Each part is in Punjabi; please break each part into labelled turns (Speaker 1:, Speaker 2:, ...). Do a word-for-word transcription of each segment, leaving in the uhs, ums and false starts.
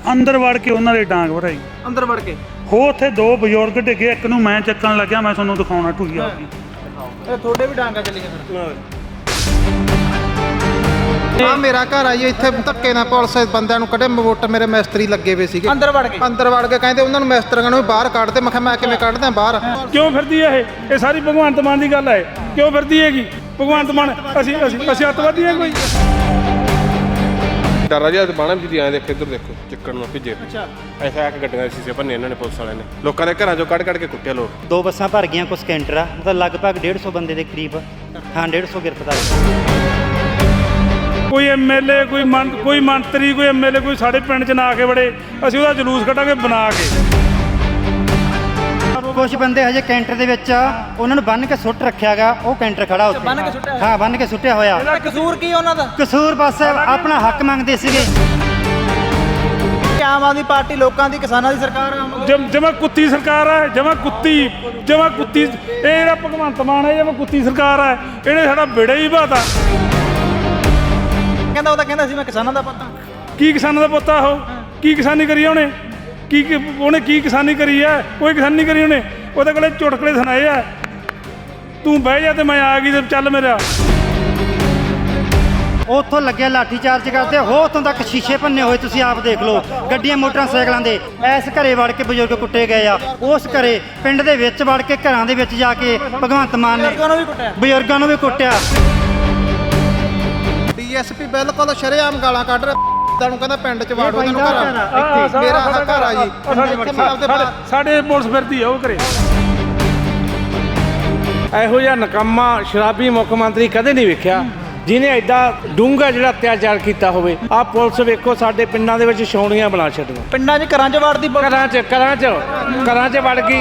Speaker 1: ਅੰਦਰ ਵੜ ਕੇ ਉਹਨਾਂ ਦੇ ਡਾਂਗ ਭਰਾਈ।
Speaker 2: ਅੰਦਰ ਵੜ ਕੇ
Speaker 1: ਹੋ ਉੱਥੇ ਦੋ ਬਜ਼ੁਰਗ ਡਿੱਗੇ, ਇੱਕ ਨੂੰ ਮੈਂ ਚੱਕਣ ਲੱਗਿਆ, ਮੈਂ ਤੁਹਾਨੂੰ ਦਿਖਾਉਣਾ ਢੂਈ ਆ ਗਈ।
Speaker 2: ਇਹ ਤੁਹਾਡੇ ਵੀ ਡਾਂਗਾ ਚੱਲੀਆਂ ਫਿਰ? ਆ ਮੇਰਾ ਘਰ ਆ ਜੀ, ਇੱਥੇ ਧੱਕੇ ਨਾਲ ਪੁਲਿਸ ਬੰਦਿਆਂ ਨੂੰ ਕੱਢੇ, ਮਵੋਟ ਮੇਰੇ ਮਿਸਤਰੀ ਲੱਗੇ ਹੋਏ ਸੀਗੇ, ਅੰਦਰ ਵੜ ਕੇ ਅੰਦਰ ਵੜ ਕੇ ਕਹਿੰਦੇ ਉਹਨਾਂ ਨੂੰ ਮਿਸਤਰੀਆਂ ਨੂੰ ਵੀ ਬਾਹਰ ਕੱਢ ਦੇ। ਮੈਂ ਕਿਹਾ ਮੈਂ ਕਿਵੇਂ ਕੱਢਦਾ ਬਾਹਰ?
Speaker 3: ਕਿਉਂ ਫਿਰਦੀ ਹੈ ਇਹ ਇਹ ਸਾਰੀ ਭਗਵੰਤ ਮਾਨ ਦੀ ਗੱਲ ਹੈ। ਕਿਉਂ ਫਿਰਦੀ ਹੈਗੀ ਭਗਵੰਤ ਮਾਨ? ਅਸੀਂ ਅਸੀਂ ਅਸੀਂ ਅੱਤਵਾਦੀ ਹਾਂ ਕੋਈ?
Speaker 4: ਡਰ ਜਿਹਾ ਬਾਣਾ ਜੀ ਆਏ ਦੇਖੋ, ਇੱਧਰ ਦੇਖੋ ਚੱਕਣ ਨੂੰ ਭਿੱਜੇ। ਅੱਛਾ, ਐਸਾ ਆ ਕੇ ਗੱਡੀਆਂ ਦੇ ਸ਼ੀਸ਼ੇ ਭੰਨੇ ਇਹਨਾਂ ਨੇ ਪੁਲਿਸ ਵਾਲਿਆਂ ਨੇ, ਲੋਕਾਂ ਦੇ ਘਰਾਂ ਚੋਂ ਕੱਢ ਕੱਢ ਕੇ ਕੁੱਟਿਆ ਲੋਕ।
Speaker 5: ਦੋ ਬੱਸਾਂ ਭਰ ਗਈਆਂ, ਕੁਛ ਕੈਂਟਰ ਆ, ਮਤਲਬ ਲਗਭਗ ਡੇਢ ਸੌ ਬੰਦੇ ਦੇ ਕਰੀਬ, ਹਾਂ ਡੇਢ ਸੌ ਗ੍ਰਿਫਤਾਰ।
Speaker 3: ਕੋਈ ਐਮਐਲਏ, ਕੋਈ ਮੰ ਕੋਈ ਮੰਤਰੀ, ਕੋਈ ਐਮਐਲਏ ਕੋਈ ਸਾਡੇ ਪਿੰਡ 'ਚ ਨਾ ਆ ਕੇ ਵੜੇ, ਅਸੀਂ ਉਹਦਾ ਜਲੂਸ ਕੱਢਾਂਗੇ ਬਣਾ ਕੇ।
Speaker 5: ਕੁਝ ਬੰਦੇ ਹਜੇ ਕੈਂਟਰ ਦੇ ਵਿੱਚ ਆ, ਉਹਨਾਂ ਨੂੰ ਬੰਨ ਕੇ ਸੁੱਟ ਰੱਖਿਆਗਾ, ਉਹ ਕੈਂਟਰ ਖੜਾ ਉੱਥੇ
Speaker 2: ਬੰਨ ਕੇ ਸੁੱਟਿਆ?
Speaker 5: ਹਾਂ ਬੰਨ ਕੇ ਸੁੱਟਿਆ ਹੋਇਆ।
Speaker 2: ਇਹਦਾ ਕਸੂਰ ਕੀ ਉਹਨਾਂ ਦਾ?
Speaker 5: ਕਸੂਰ ਬਸ ਆਪਣਾ ਹੱਕ ਮੰਗਦੇ ਸੀਗੇ।
Speaker 2: ਆਮ ਆਦਮੀ ਪਾਰਟੀ ਲੋਕਾਂ ਦੀ, ਕਿਸਾਨਾਂ ਦੀ ਸਰਕਾਰ ਆ।
Speaker 3: ਜਮ ਜਮਾ ਕੁੱਤੀ ਸਰਕਾਰ ਹੈ, ਜਮਾ ਕੁੱਤੀ ਜਮਾ ਕੁੱਤੀ। ਇਹ ਜਿਹੜਾ ਭਗਵੰਤ ਮਾਨ ਹੈ ਜਮਾ ਕੁੱਤੀ ਸਰਕਾਰ ਹੈ, ਇਹਨੇ ਸਾਡਾ ਬੇੜਾ ਹੀ ਬਾਤਾ।
Speaker 2: ਕਹਿੰਦਾ ਉਹ ਤਾਂ ਕਹਿੰਦਾ ਸੀ ਮੈਂ ਕਿਸਾਨਾਂ ਦਾ ਪੁੱਤ।
Speaker 3: ਕੀ ਕਿਸਾਨਾਂ ਦਾ ਪੁੱਤ ਆ ਉਹ? ਕੀ ਕਿਸਾਨੀ ਕਰੀ ਉਹਨੇ? ਕੀ ਉਹਨੇ ਕੀ ਕਿਸਾਨੀ ਕਰੀ ਹੈ? ਕੋਈ ਕਿਸਾਨੀ ਨਹੀਂ ਕਰੀ ਉਹਨੇ। ਉਹਦੇ ਕੋਲੇ ਚੁਟਕਲੇ ਸੁਣਾਏ ਆ, ਤੂੰ ਬਹਿ ਜਾ ਤੇ ਮੈਂ ਆ ਗਈ ਤੇ ਚੱਲ ਮੇਰਾ।
Speaker 5: ਉੱਥੋਂ ਲੱਗਿਆ ਲਾਠੀ ਚਾਰਜ ਕਰਦੇ, ਹੋ ਉੱਥੋਂ ਤੱਕ ਸ਼ੀਸ਼ੇ ਭੰਨੇ ਹੋਏ, ਤੁਸੀਂ ਆਪ ਦੇਖ ਲਓ, ਗੱਡੀਆਂ ਮੋਟਰਸਾਈਕਲਾਂ ਦੇ। ਇਸ ਘਰੇ ਵੜ ਕੇ ਬਜ਼ੁਰਗ ਕੁੱਟੇ ਗਏ ਆ, ਉਸ ਘਰੇ ਪਿੰਡ ਦੇ ਵਿੱਚ ਵੜ ਕੇ ਘਰਾਂ ਦੇ ਵਿੱਚ ਜਾ ਕੇ ਭਗਵੰਤ ਮਾਨ ਨੇ ਬਜ਼ੁਰਗਾਂ ਨੂੰ ਵੀ ਕੁੱਟਿਆ।
Speaker 2: ਡੀਐਸਪੀ ਬਿਲਕੁਲ ਸ਼ਰੇਆਮ ਗਾਲਾਂ ਕੱਢ ਰਿਹਾ, ਤੁਹਾਨੂੰ ਕਹਿੰਦਾ ਪਿੰਡ ਚ ਵਾੜੋ ਤੈਨੂੰ ਘਰ। ਮੇਰਾ ਘਰ ਆ ਜੀ,
Speaker 3: ਸਾਡੇ ਪੁਲਿਸ ਫਿਰਦੀ ਆ ਉਹ ਘਰੇ।
Speaker 6: ਇਹੋ ਜਿਹਾ ਨਕੰਮਾ ਸ਼ਰਾਬੀ ਮੁੱਖ ਮੰਤਰੀ ਕਦੇ ਨਹੀਂ ਵੇਖਿਆ ਜਿਹਨੇ ਐਡਾ ਡੂੰਘਾ ਜਿਹੜਾ ਅਤਿਆਚਾਰ ਕੀਤਾ ਹੋਵੇ। ਆਹ ਪੁਲਿਸ ਵੇਖੋ ਸਾਡੇ ਪਿੰਡਾਂ ਦੇ ਵਿੱਚ ਛਾਉਣੀਆਂ ਬਣਾ ਛੱਡੀਆਂ,
Speaker 2: ਪਿੰਡਾਂ 'ਚ ਘਰਾਂ 'ਚ ਵੜਦੀ,
Speaker 6: ਘਰਾਂ 'ਚ ਘਰਾਂ 'ਚ ਘਰਾਂ 'ਚ ਵੜ ਗਈ।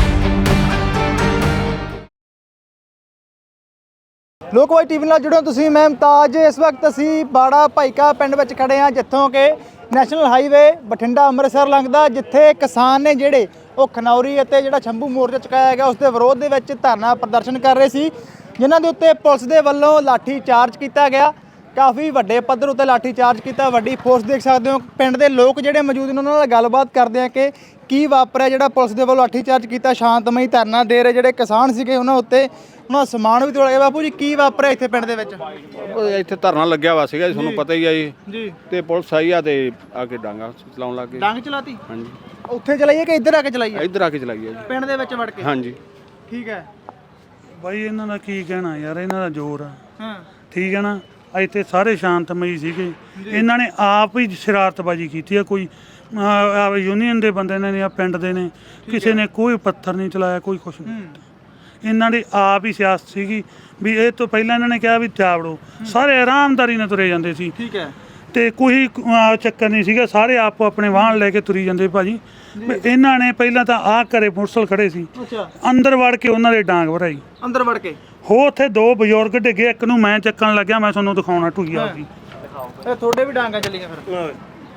Speaker 2: ਲੋਕਵਾਈ ਟੀਵੀ ਨਾਲ ਜੁੜੋ ਤੁਸੀਂ, ਮੈਂ ਮੁਮਤਾਜ। ਇਸ ਵਕਤ ਅਸੀਂ ਬਾੜਾ ਭਾਈਕਾ ਪਿੰਡ ਵਿੱਚ ਖੜੇ ਹਾਂ, ਜਿੱਥੋਂ ਕਿ ਨੈਸ਼ਨਲ ਹਾਈਵੇ ਬਠਿੰਡਾ ਅੰਮ੍ਰਿਤਸਰ ਲੰਘਦਾ, ਜਿੱਥੇ ਕਿਸਾਨ ਨੇ ਜਿਹੜੇ ਉਹ ਖਨੌਰੀ ਅਤੇ ਜਿਹੜਾ ਸ਼ੰਭੂ ਮੋਰਚਾ ਚੁਕਾਇਆ ਗਿਆ ਉਸ ਦੇ ਵਿਰੋਧ ਦੇ ਵਿੱਚ ਧਰਨਾ ਪ੍ਰਦਰਸ਼ਨ ਕਰ ਰਹੇ ਸੀ, ਜਿਨ੍ਹਾਂ ਦੇ ਉੱਤੇ ਪੁਲਿਸ ਦੇ ਵੱਲੋਂ ਲਾਠੀ ਚਾਰਜ ਕੀਤਾ ਗਿਆ। ਕਾਫੀ ਵੱਡੇ ਪੱਧਰ ਉੱਤੇ ਲਾਠੀ ਚਾਰਜ ਕੀਤਾ, ਵੱਡੀ ਫੋਰਸ ਦੇਖ ਸਕਦੇ ਹੋ। ਪਿੰਡ ਦੇ ਲੋਕ ਜਿਹੜੇ ਮੌਜੂਦ ਨੇ ਉਹਨਾਂ ਨਾਲ ਗੱਲਬਾਤ ਕਰਦੇ ਆ ਕਿ ਕੀ ਵਾਪਰਿਆ, ਜਿਹੜਾ ਪੁਲਿਸ ਦੇ ਵੱਲੋਂ ਲਾਠੀ ਚਾਰਜ ਕੀਤਾ। ਸ਼ਾਂਤਮਈ ਧਰਨਾ ਦੇ ਰਹੇ ਜਿਹੜੇ ਕਿਸਾਨ ਸੀਗੇ ਉਹਨਾਂ ਉੱਤੇ ਉਹਨਾਂ ਦਾ ਸਮਾਨ ਵੀ ਤੋੜਿਆ ਗਿਆ। ਬਾਪੂ ਜੀ ਕੀ ਵਾਪਰਿਆ ਇੱਥੇ ਪਿੰਡ ਦੇ ਵਿੱਚ?
Speaker 4: ਇੱਥੇ ਧਰਨਾ ਲੱਗਿਆ ਵਾ ਸੀਗਾ ਜੀ, ਤੁਹਾਨੂੰ ਪਤਾ ਹੀ ਆ ਜੀ
Speaker 2: ਜੀ।
Speaker 4: ਤੇ ਪੁਲਿਸ ਆਈ ਆ ਤੇ ਆ ਕੇ ਡਾਂਗਾ ਚਲਾਉਣ ਲੱਗ ਗਏ।
Speaker 2: ਡਾਂਗ ਚਲਾਤੀ?
Speaker 4: ਹਾਂਜੀ।
Speaker 2: ਉੱਥੇ ਚਲਾਈਏ ਕਿ ਇੱਧਰ ਆ ਕੇ ਚਲਾਈਏ?
Speaker 4: ਇੱਧਰ ਆ ਕੇ ਚਲਾਈ ਆ ਜੀ,
Speaker 2: ਪਿੰਡ ਦੇ ਵਿੱਚ ਵੜ ਕੇ?
Speaker 4: ਹਾਂਜੀ।
Speaker 2: ਠੀਕ ਹੈ
Speaker 1: ਬਾਈ ਇਹਨਾਂ ਦਾ ਕੀ ਕਹਿਣਾ ਯਾਰ, ਇਹਨਾਂ ਦਾ ਜ਼ੋਰ ਆ।
Speaker 2: ਹਾਂ
Speaker 1: ਠੀਕ ਹੈ ਨਾ, ਇੱਥੇ ਸਾਰੇ ਸ਼ਾਂਤਮਈ ਸੀਗੇ, ਇਹਨਾਂ ਨੇ ਆਪ ਹੀ ਸ਼ਰਾਰਤਬਾਜ਼ੀ ਕੀਤੀ ਆ। ਕੋਈ ਯੂਨੀਅਨ ਦੇ ਬੰਦੇ ਨੇ ਜਾਂ ਪਿੰਡ ਦੇ ਨੇ, ਕਿਸੇ ਨੇ ਕੋਈ ਪੱਥਰ ਨਹੀਂ ਚਲਾਇਆ, ਕੋਈ ਕੁਛ ਨਹੀਂ। ਇਹਨਾਂ ਦੀ ਆਪ ਹੀ ਸਿਆਸਤ ਸੀਗੀ ਵੀ ਇਹ ਤੋਂ ਪਹਿਲਾਂ ਇਹਨਾਂ ਨੇ ਕਿਹਾ ਵੀ ਚਾਵੜੋ, ਸਾਰੇ ਆਰਾਮਦਾਰੀ ਨਾਲ ਤੁਰੇ ਜਾਂਦੇ ਸੀ।
Speaker 2: ਠੀਕ ਹੈ।
Speaker 1: ਤੇ ਕੋਈ ਚੱਕਰ ਨਹੀਂ ਸੀਗਾ, ਸਾਰੇ ਆਪੋ ਆਪਣੇ ਵਾਹਨ ਲੈ ਕੇ ਤੁਰੀ ਜਾਂਦੇ ਭਾਜੀ। ਇਹਨਾਂ ਨੇ ਪਹਿਲਾਂ ਤਾਂ ਆਹ ਘਰੇ ਮੋਟਰਸਾਈਕਲ ਖੜੇ ਸੀ, ਅੰਦਰ ਵੜ ਕੇ ਉਹਨਾਂ ਦੇ ਡਾਂਗ ਭਰਾਈ। ਅੰਦਰ ਵੜ ਕੇ ਹੋ ਉੱਥੇ ਦੋ ਬਜ਼ੁਰਗ ਡਿੱਗੇ, ਇੱਕ ਨੂੰ ਮੈਂ ਚੱਕਣ ਲੱਗਿਆ, ਮੈਂ ਤੁਹਾਨੂੰ ਦਿਖਾਉਣਾ ਢੂਈ ਆ ਗਈ।
Speaker 2: ਇਹ ਤੁਹਾਡੇ ਵੀ ਡਾਂਗਾ ਚੱਲੀਆਂ ਫਿਰ?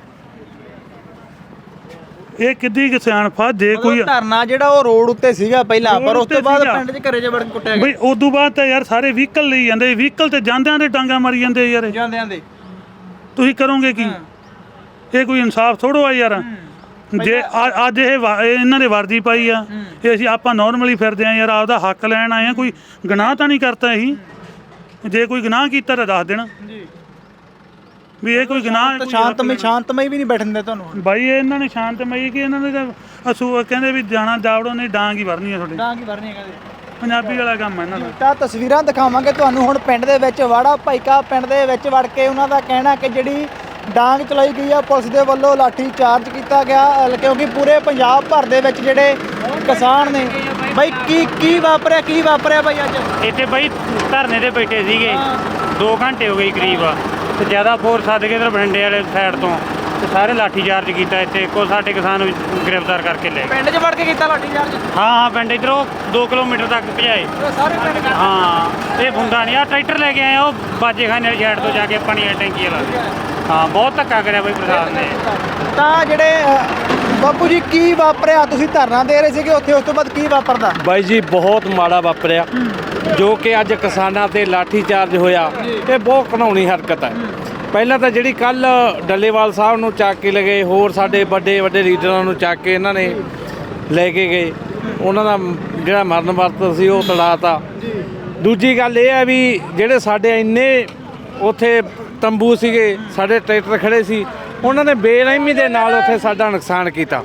Speaker 1: ਇਹ ਕਿੱਡੀ ਕਿਸਾਨ ਫਾ ਜੇ ਕੋਈ
Speaker 2: ਧਰਨਾ ਜਿਹੜਾ ਉਹ ਰੋਡ ਉੱਤੇ ਸੀਗਾ ਪਹਿਲਾਂ, ਪਰ ਉਸ ਤੋਂ ਬਾਅਦ ਪਿੰਡ 'ਚ ਘਰੇ 'ਚ ਵੜ ਕੇ ਕੁੱਟਿਆ ਗਿਆ।
Speaker 1: ਬਈ ਉਦੋਂ ਬਾਅਦ ਤਾਂ ਯਾਰ ਸਾਰੇ ਵਹੀਕਲ ਲਈ ਜਾਂਦੇ, ਵਹੀਕਲ ਤੇ ਜਾਂਦਿਆਂ ਦੇ ਡਾਂਗਾ ਮਾਰੀ ਜਾਂਦੇ ਯਾਰ।
Speaker 2: ਜਾਂਦਿਆਂ ਦੇ
Speaker 1: ਤੁਸੀਂ ਕਰੋਗੇ ਕੀ? ਇਹ ਕੋਈ ਇਨਸਾਫ ਥੋੜੋ ਆ ਯਾਰ। ਜੇ ਅੱਜ ਇਹ ਇਹਨਾਂ ਦੇ ਵਰਦੀ ਪਾਈ ਆ, ਇਹ ਅਸੀਂ ਆਪਾਂ ਨਾਰਮਲੀ ਫਿਰਦੇ ਆ ਯਾਰ, ਆਪਦਾ ਹੱਕ ਲੈਣ ਆਏ ਆ। ਕੋਈ ਗੁਨਾਹ ਤਾਂ ਨਹੀਂ ਕਰਤਾ ਇਹੀ? ਜੇ ਕੋਈ ਗੁਨਾਹ ਕੀਤਾ ਤਾਂ ਦੱਸ ਦੇਣਾ ਵੀ ਇਹ ਕੋਈ ਗੁਨਾਹ।
Speaker 2: ਸ਼ਾਂਤਮਈ ਸ਼ਾਂਤਮਈ ਵੀ ਨਹੀਂ ਬੈਠਣ ਦਿੰਦੇ ਤੁਹਾਨੂੰ
Speaker 1: ਬਾਈ? ਇਹਨਾਂ ਨੇ ਸ਼ਾਂਤਮਈ ਕਿ ਇਹਨਾਂ ਦੇ ਤਾਂ ਅਸੂ ਕਹਿੰਦੇ ਵੀ ਜਾਣਾ ਜਾਵੜੋ, ਨਹੀਂ ਡਾਂਗ ਹੀ ਵਰਨੀ ਆ ਤੁਹਾਡੇ।
Speaker 2: ਡਾਂਗ ਹੀ ਵਰਨੀ ਕਹਿੰਦੇ,
Speaker 1: ਪੰਜਾਬੀ ਵਾਲਾ ਕੰਮ ਹੈ ਇਹਨਾਂ ਦਾ।
Speaker 2: ਤਾਂ ਤਸਵੀਰਾਂ ਦਿਖਾਵਾਂਗੇ ਤੁਹਾਨੂੰ ਹੁਣ ਪਿੰਡ ਦੇ ਵਿੱਚ, ਵਾੜਾ ਭਾਈਕਾ ਪਿੰਡ ਦੇ ਵਿੱਚ ਵੜ ਕੇ ਉਹਨਾਂ ਦਾ ਕਹਿਣਾ ਕਿ ਜਿਹੜੀ ਡਾਂਗ ਚਲਾਈ ਗਈ ਆ ਪੁਲਿਸ ਦੇ ਵੱਲੋਂ, ਲਾਠੀ ਚਾਰਜ ਕੀਤਾ ਗਿਆ, ਕਿਉਂਕਿ ਪੂਰੇ ਪੰਜਾਬ ਭਰ ਦੇ ਵਿੱਚ ਜਿਹੜੇ ਕਿਸਾਨ ਨੇ। ਬਾਈ ਕੀ ਕੀ ਵਾਪਰਿਆ, ਕੀ ਵਾਪਰਿਆ ਬਾਈ ਅੱਜ
Speaker 5: ਇੱਥੇ ਬਾਈ? ਧਰਨੇ ਤੇ ਬੈਠੇ ਸੀਗੇ, ਦੋ ਘੰਟੇ ਹੋ ਗਏ ਕਰੀਬ, ਤੇ ਜ਼ਿਆਦਾ ਫੋਰਸ ਸੱਦ ਕੇ ਇੱਧਰ ਬਠਿੰਡੇ ਵਾਲੇ ਸਾਈਡ ਤੋਂ ਤੇ ਸਾਰੇ ਲਾਠੀ ਚਾਰਜ ਕੀਤਾ। ਇੱਥੇ ਕੋ ਸਾਡੇ ਕਿਸਾਨ ਨੂੰ ਗ੍ਰਿਫਤਾਰ ਕਰਕੇ ਲੈ ਗਏ।
Speaker 2: ਪਿੰਡ 'ਚ ਵੜ ਕੇ ਕੀਤਾ ਲਾਠੀ ਚਾਰਜ?
Speaker 5: ਹਾਂ ਹਾਂ, ਪਿੰਡ ਇੱਧਰੋਂ ਦੋ ਕਿਲੋਮੀਟਰ ਤੱਕ ਭਜਾਏ
Speaker 2: ਸਾਰੇ ਪਿੰਡ?
Speaker 5: ਹਾਂ, ਇਹ ਹੁੰਦਾ ਨਹੀਂ। ਆ ਟਰੈਕਟਰ ਲੈ ਕੇ ਆਏ, ਉਹ ਬਾਜੇਖਾਨੇ ਵਾਲੀ ਸਾਈਡ ਤੋਂ ਜਾ ਕੇ ਪਾਣੀ ਵਾਲੀ ਟੈਂਕੀ ਵਾਲਾ। ਹਾਂ, ਬਹੁਤ ਧੱਕਾ ਕਰਿਆ ਬਈ ਪ੍ਰਸ਼ਾਸਨ ਨੇ।
Speaker 2: ਤਾਂ ਜਿਹੜੇ ਬਾਪੂ ਜੀ ਕੀ ਵਾਪਰਿਆ? ਤੁਸੀਂ ਧਰਨਾ ਦੇ ਰਹੇ ਸੀਗੇ ਉੱਥੇ, ਉਸ ਤੋਂ ਬਾਅਦ ਕੀ ਵਾਪਰਦਾ?
Speaker 6: ਬਾਈ ਜੀ ਬਹੁਤ ਮਾੜਾ ਵਾਪਰਿਆ ਜੋ ਕਿ ਅੱਜ ਕਿਸਾਨਾਂ ਤੇ ਲਾਠੀ ਚਾਰਜ ਹੋਇਆ। ਇਹ ਬਹੁਤ ਘਿਨਾਉਣੀ ਹਰਕਤ ਹੈ। ਪਹਿਲਾਂ ਤਾਂ ਜਿਹੜੀ ਕੱਲ ਡੱਲੇਵਾਲ ਸਾਹਿਬ ਨੂੰ ਚੱਕ ਕੇ ਲਗੇ, ਹੋਰ ਸਾਡੇ ਵੱਡੇ ਵੱਡੇ ਲੀਡਰਾਂ ਨੂੰ ਚੱਕ ਕੇ ਇਹਨਾਂ ਨੇ ਲੈ ਕੇ ਗਏ, ਉਹਨਾਂ ਦਾ ਜਿਹੜਾ ਮਰਨ ਵਰਤ ਸੀ ਉਹ ਤੜਾਤਾ। ਦੂਜੀ ਗੱਲ ਇਹ ਹੈ ਵੀ ਜਿਹੜੇ ਸਾਡੇ ਇੰਨੇ ਉੱਥੇ ਤੰਬੂ ਸੀਗੇ, ਸਾਡੇ ਟਰੈਕਟਰ ਖੜੇ ਸੀ, ਉਹਨਾਂ ਨੇ ਬੇਰਹਿਮੀ ਦੇ ਨਾਲ ਉੱਥੇ ਸਾਡਾ ਨੁਕਸਾਨ ਕੀਤਾ।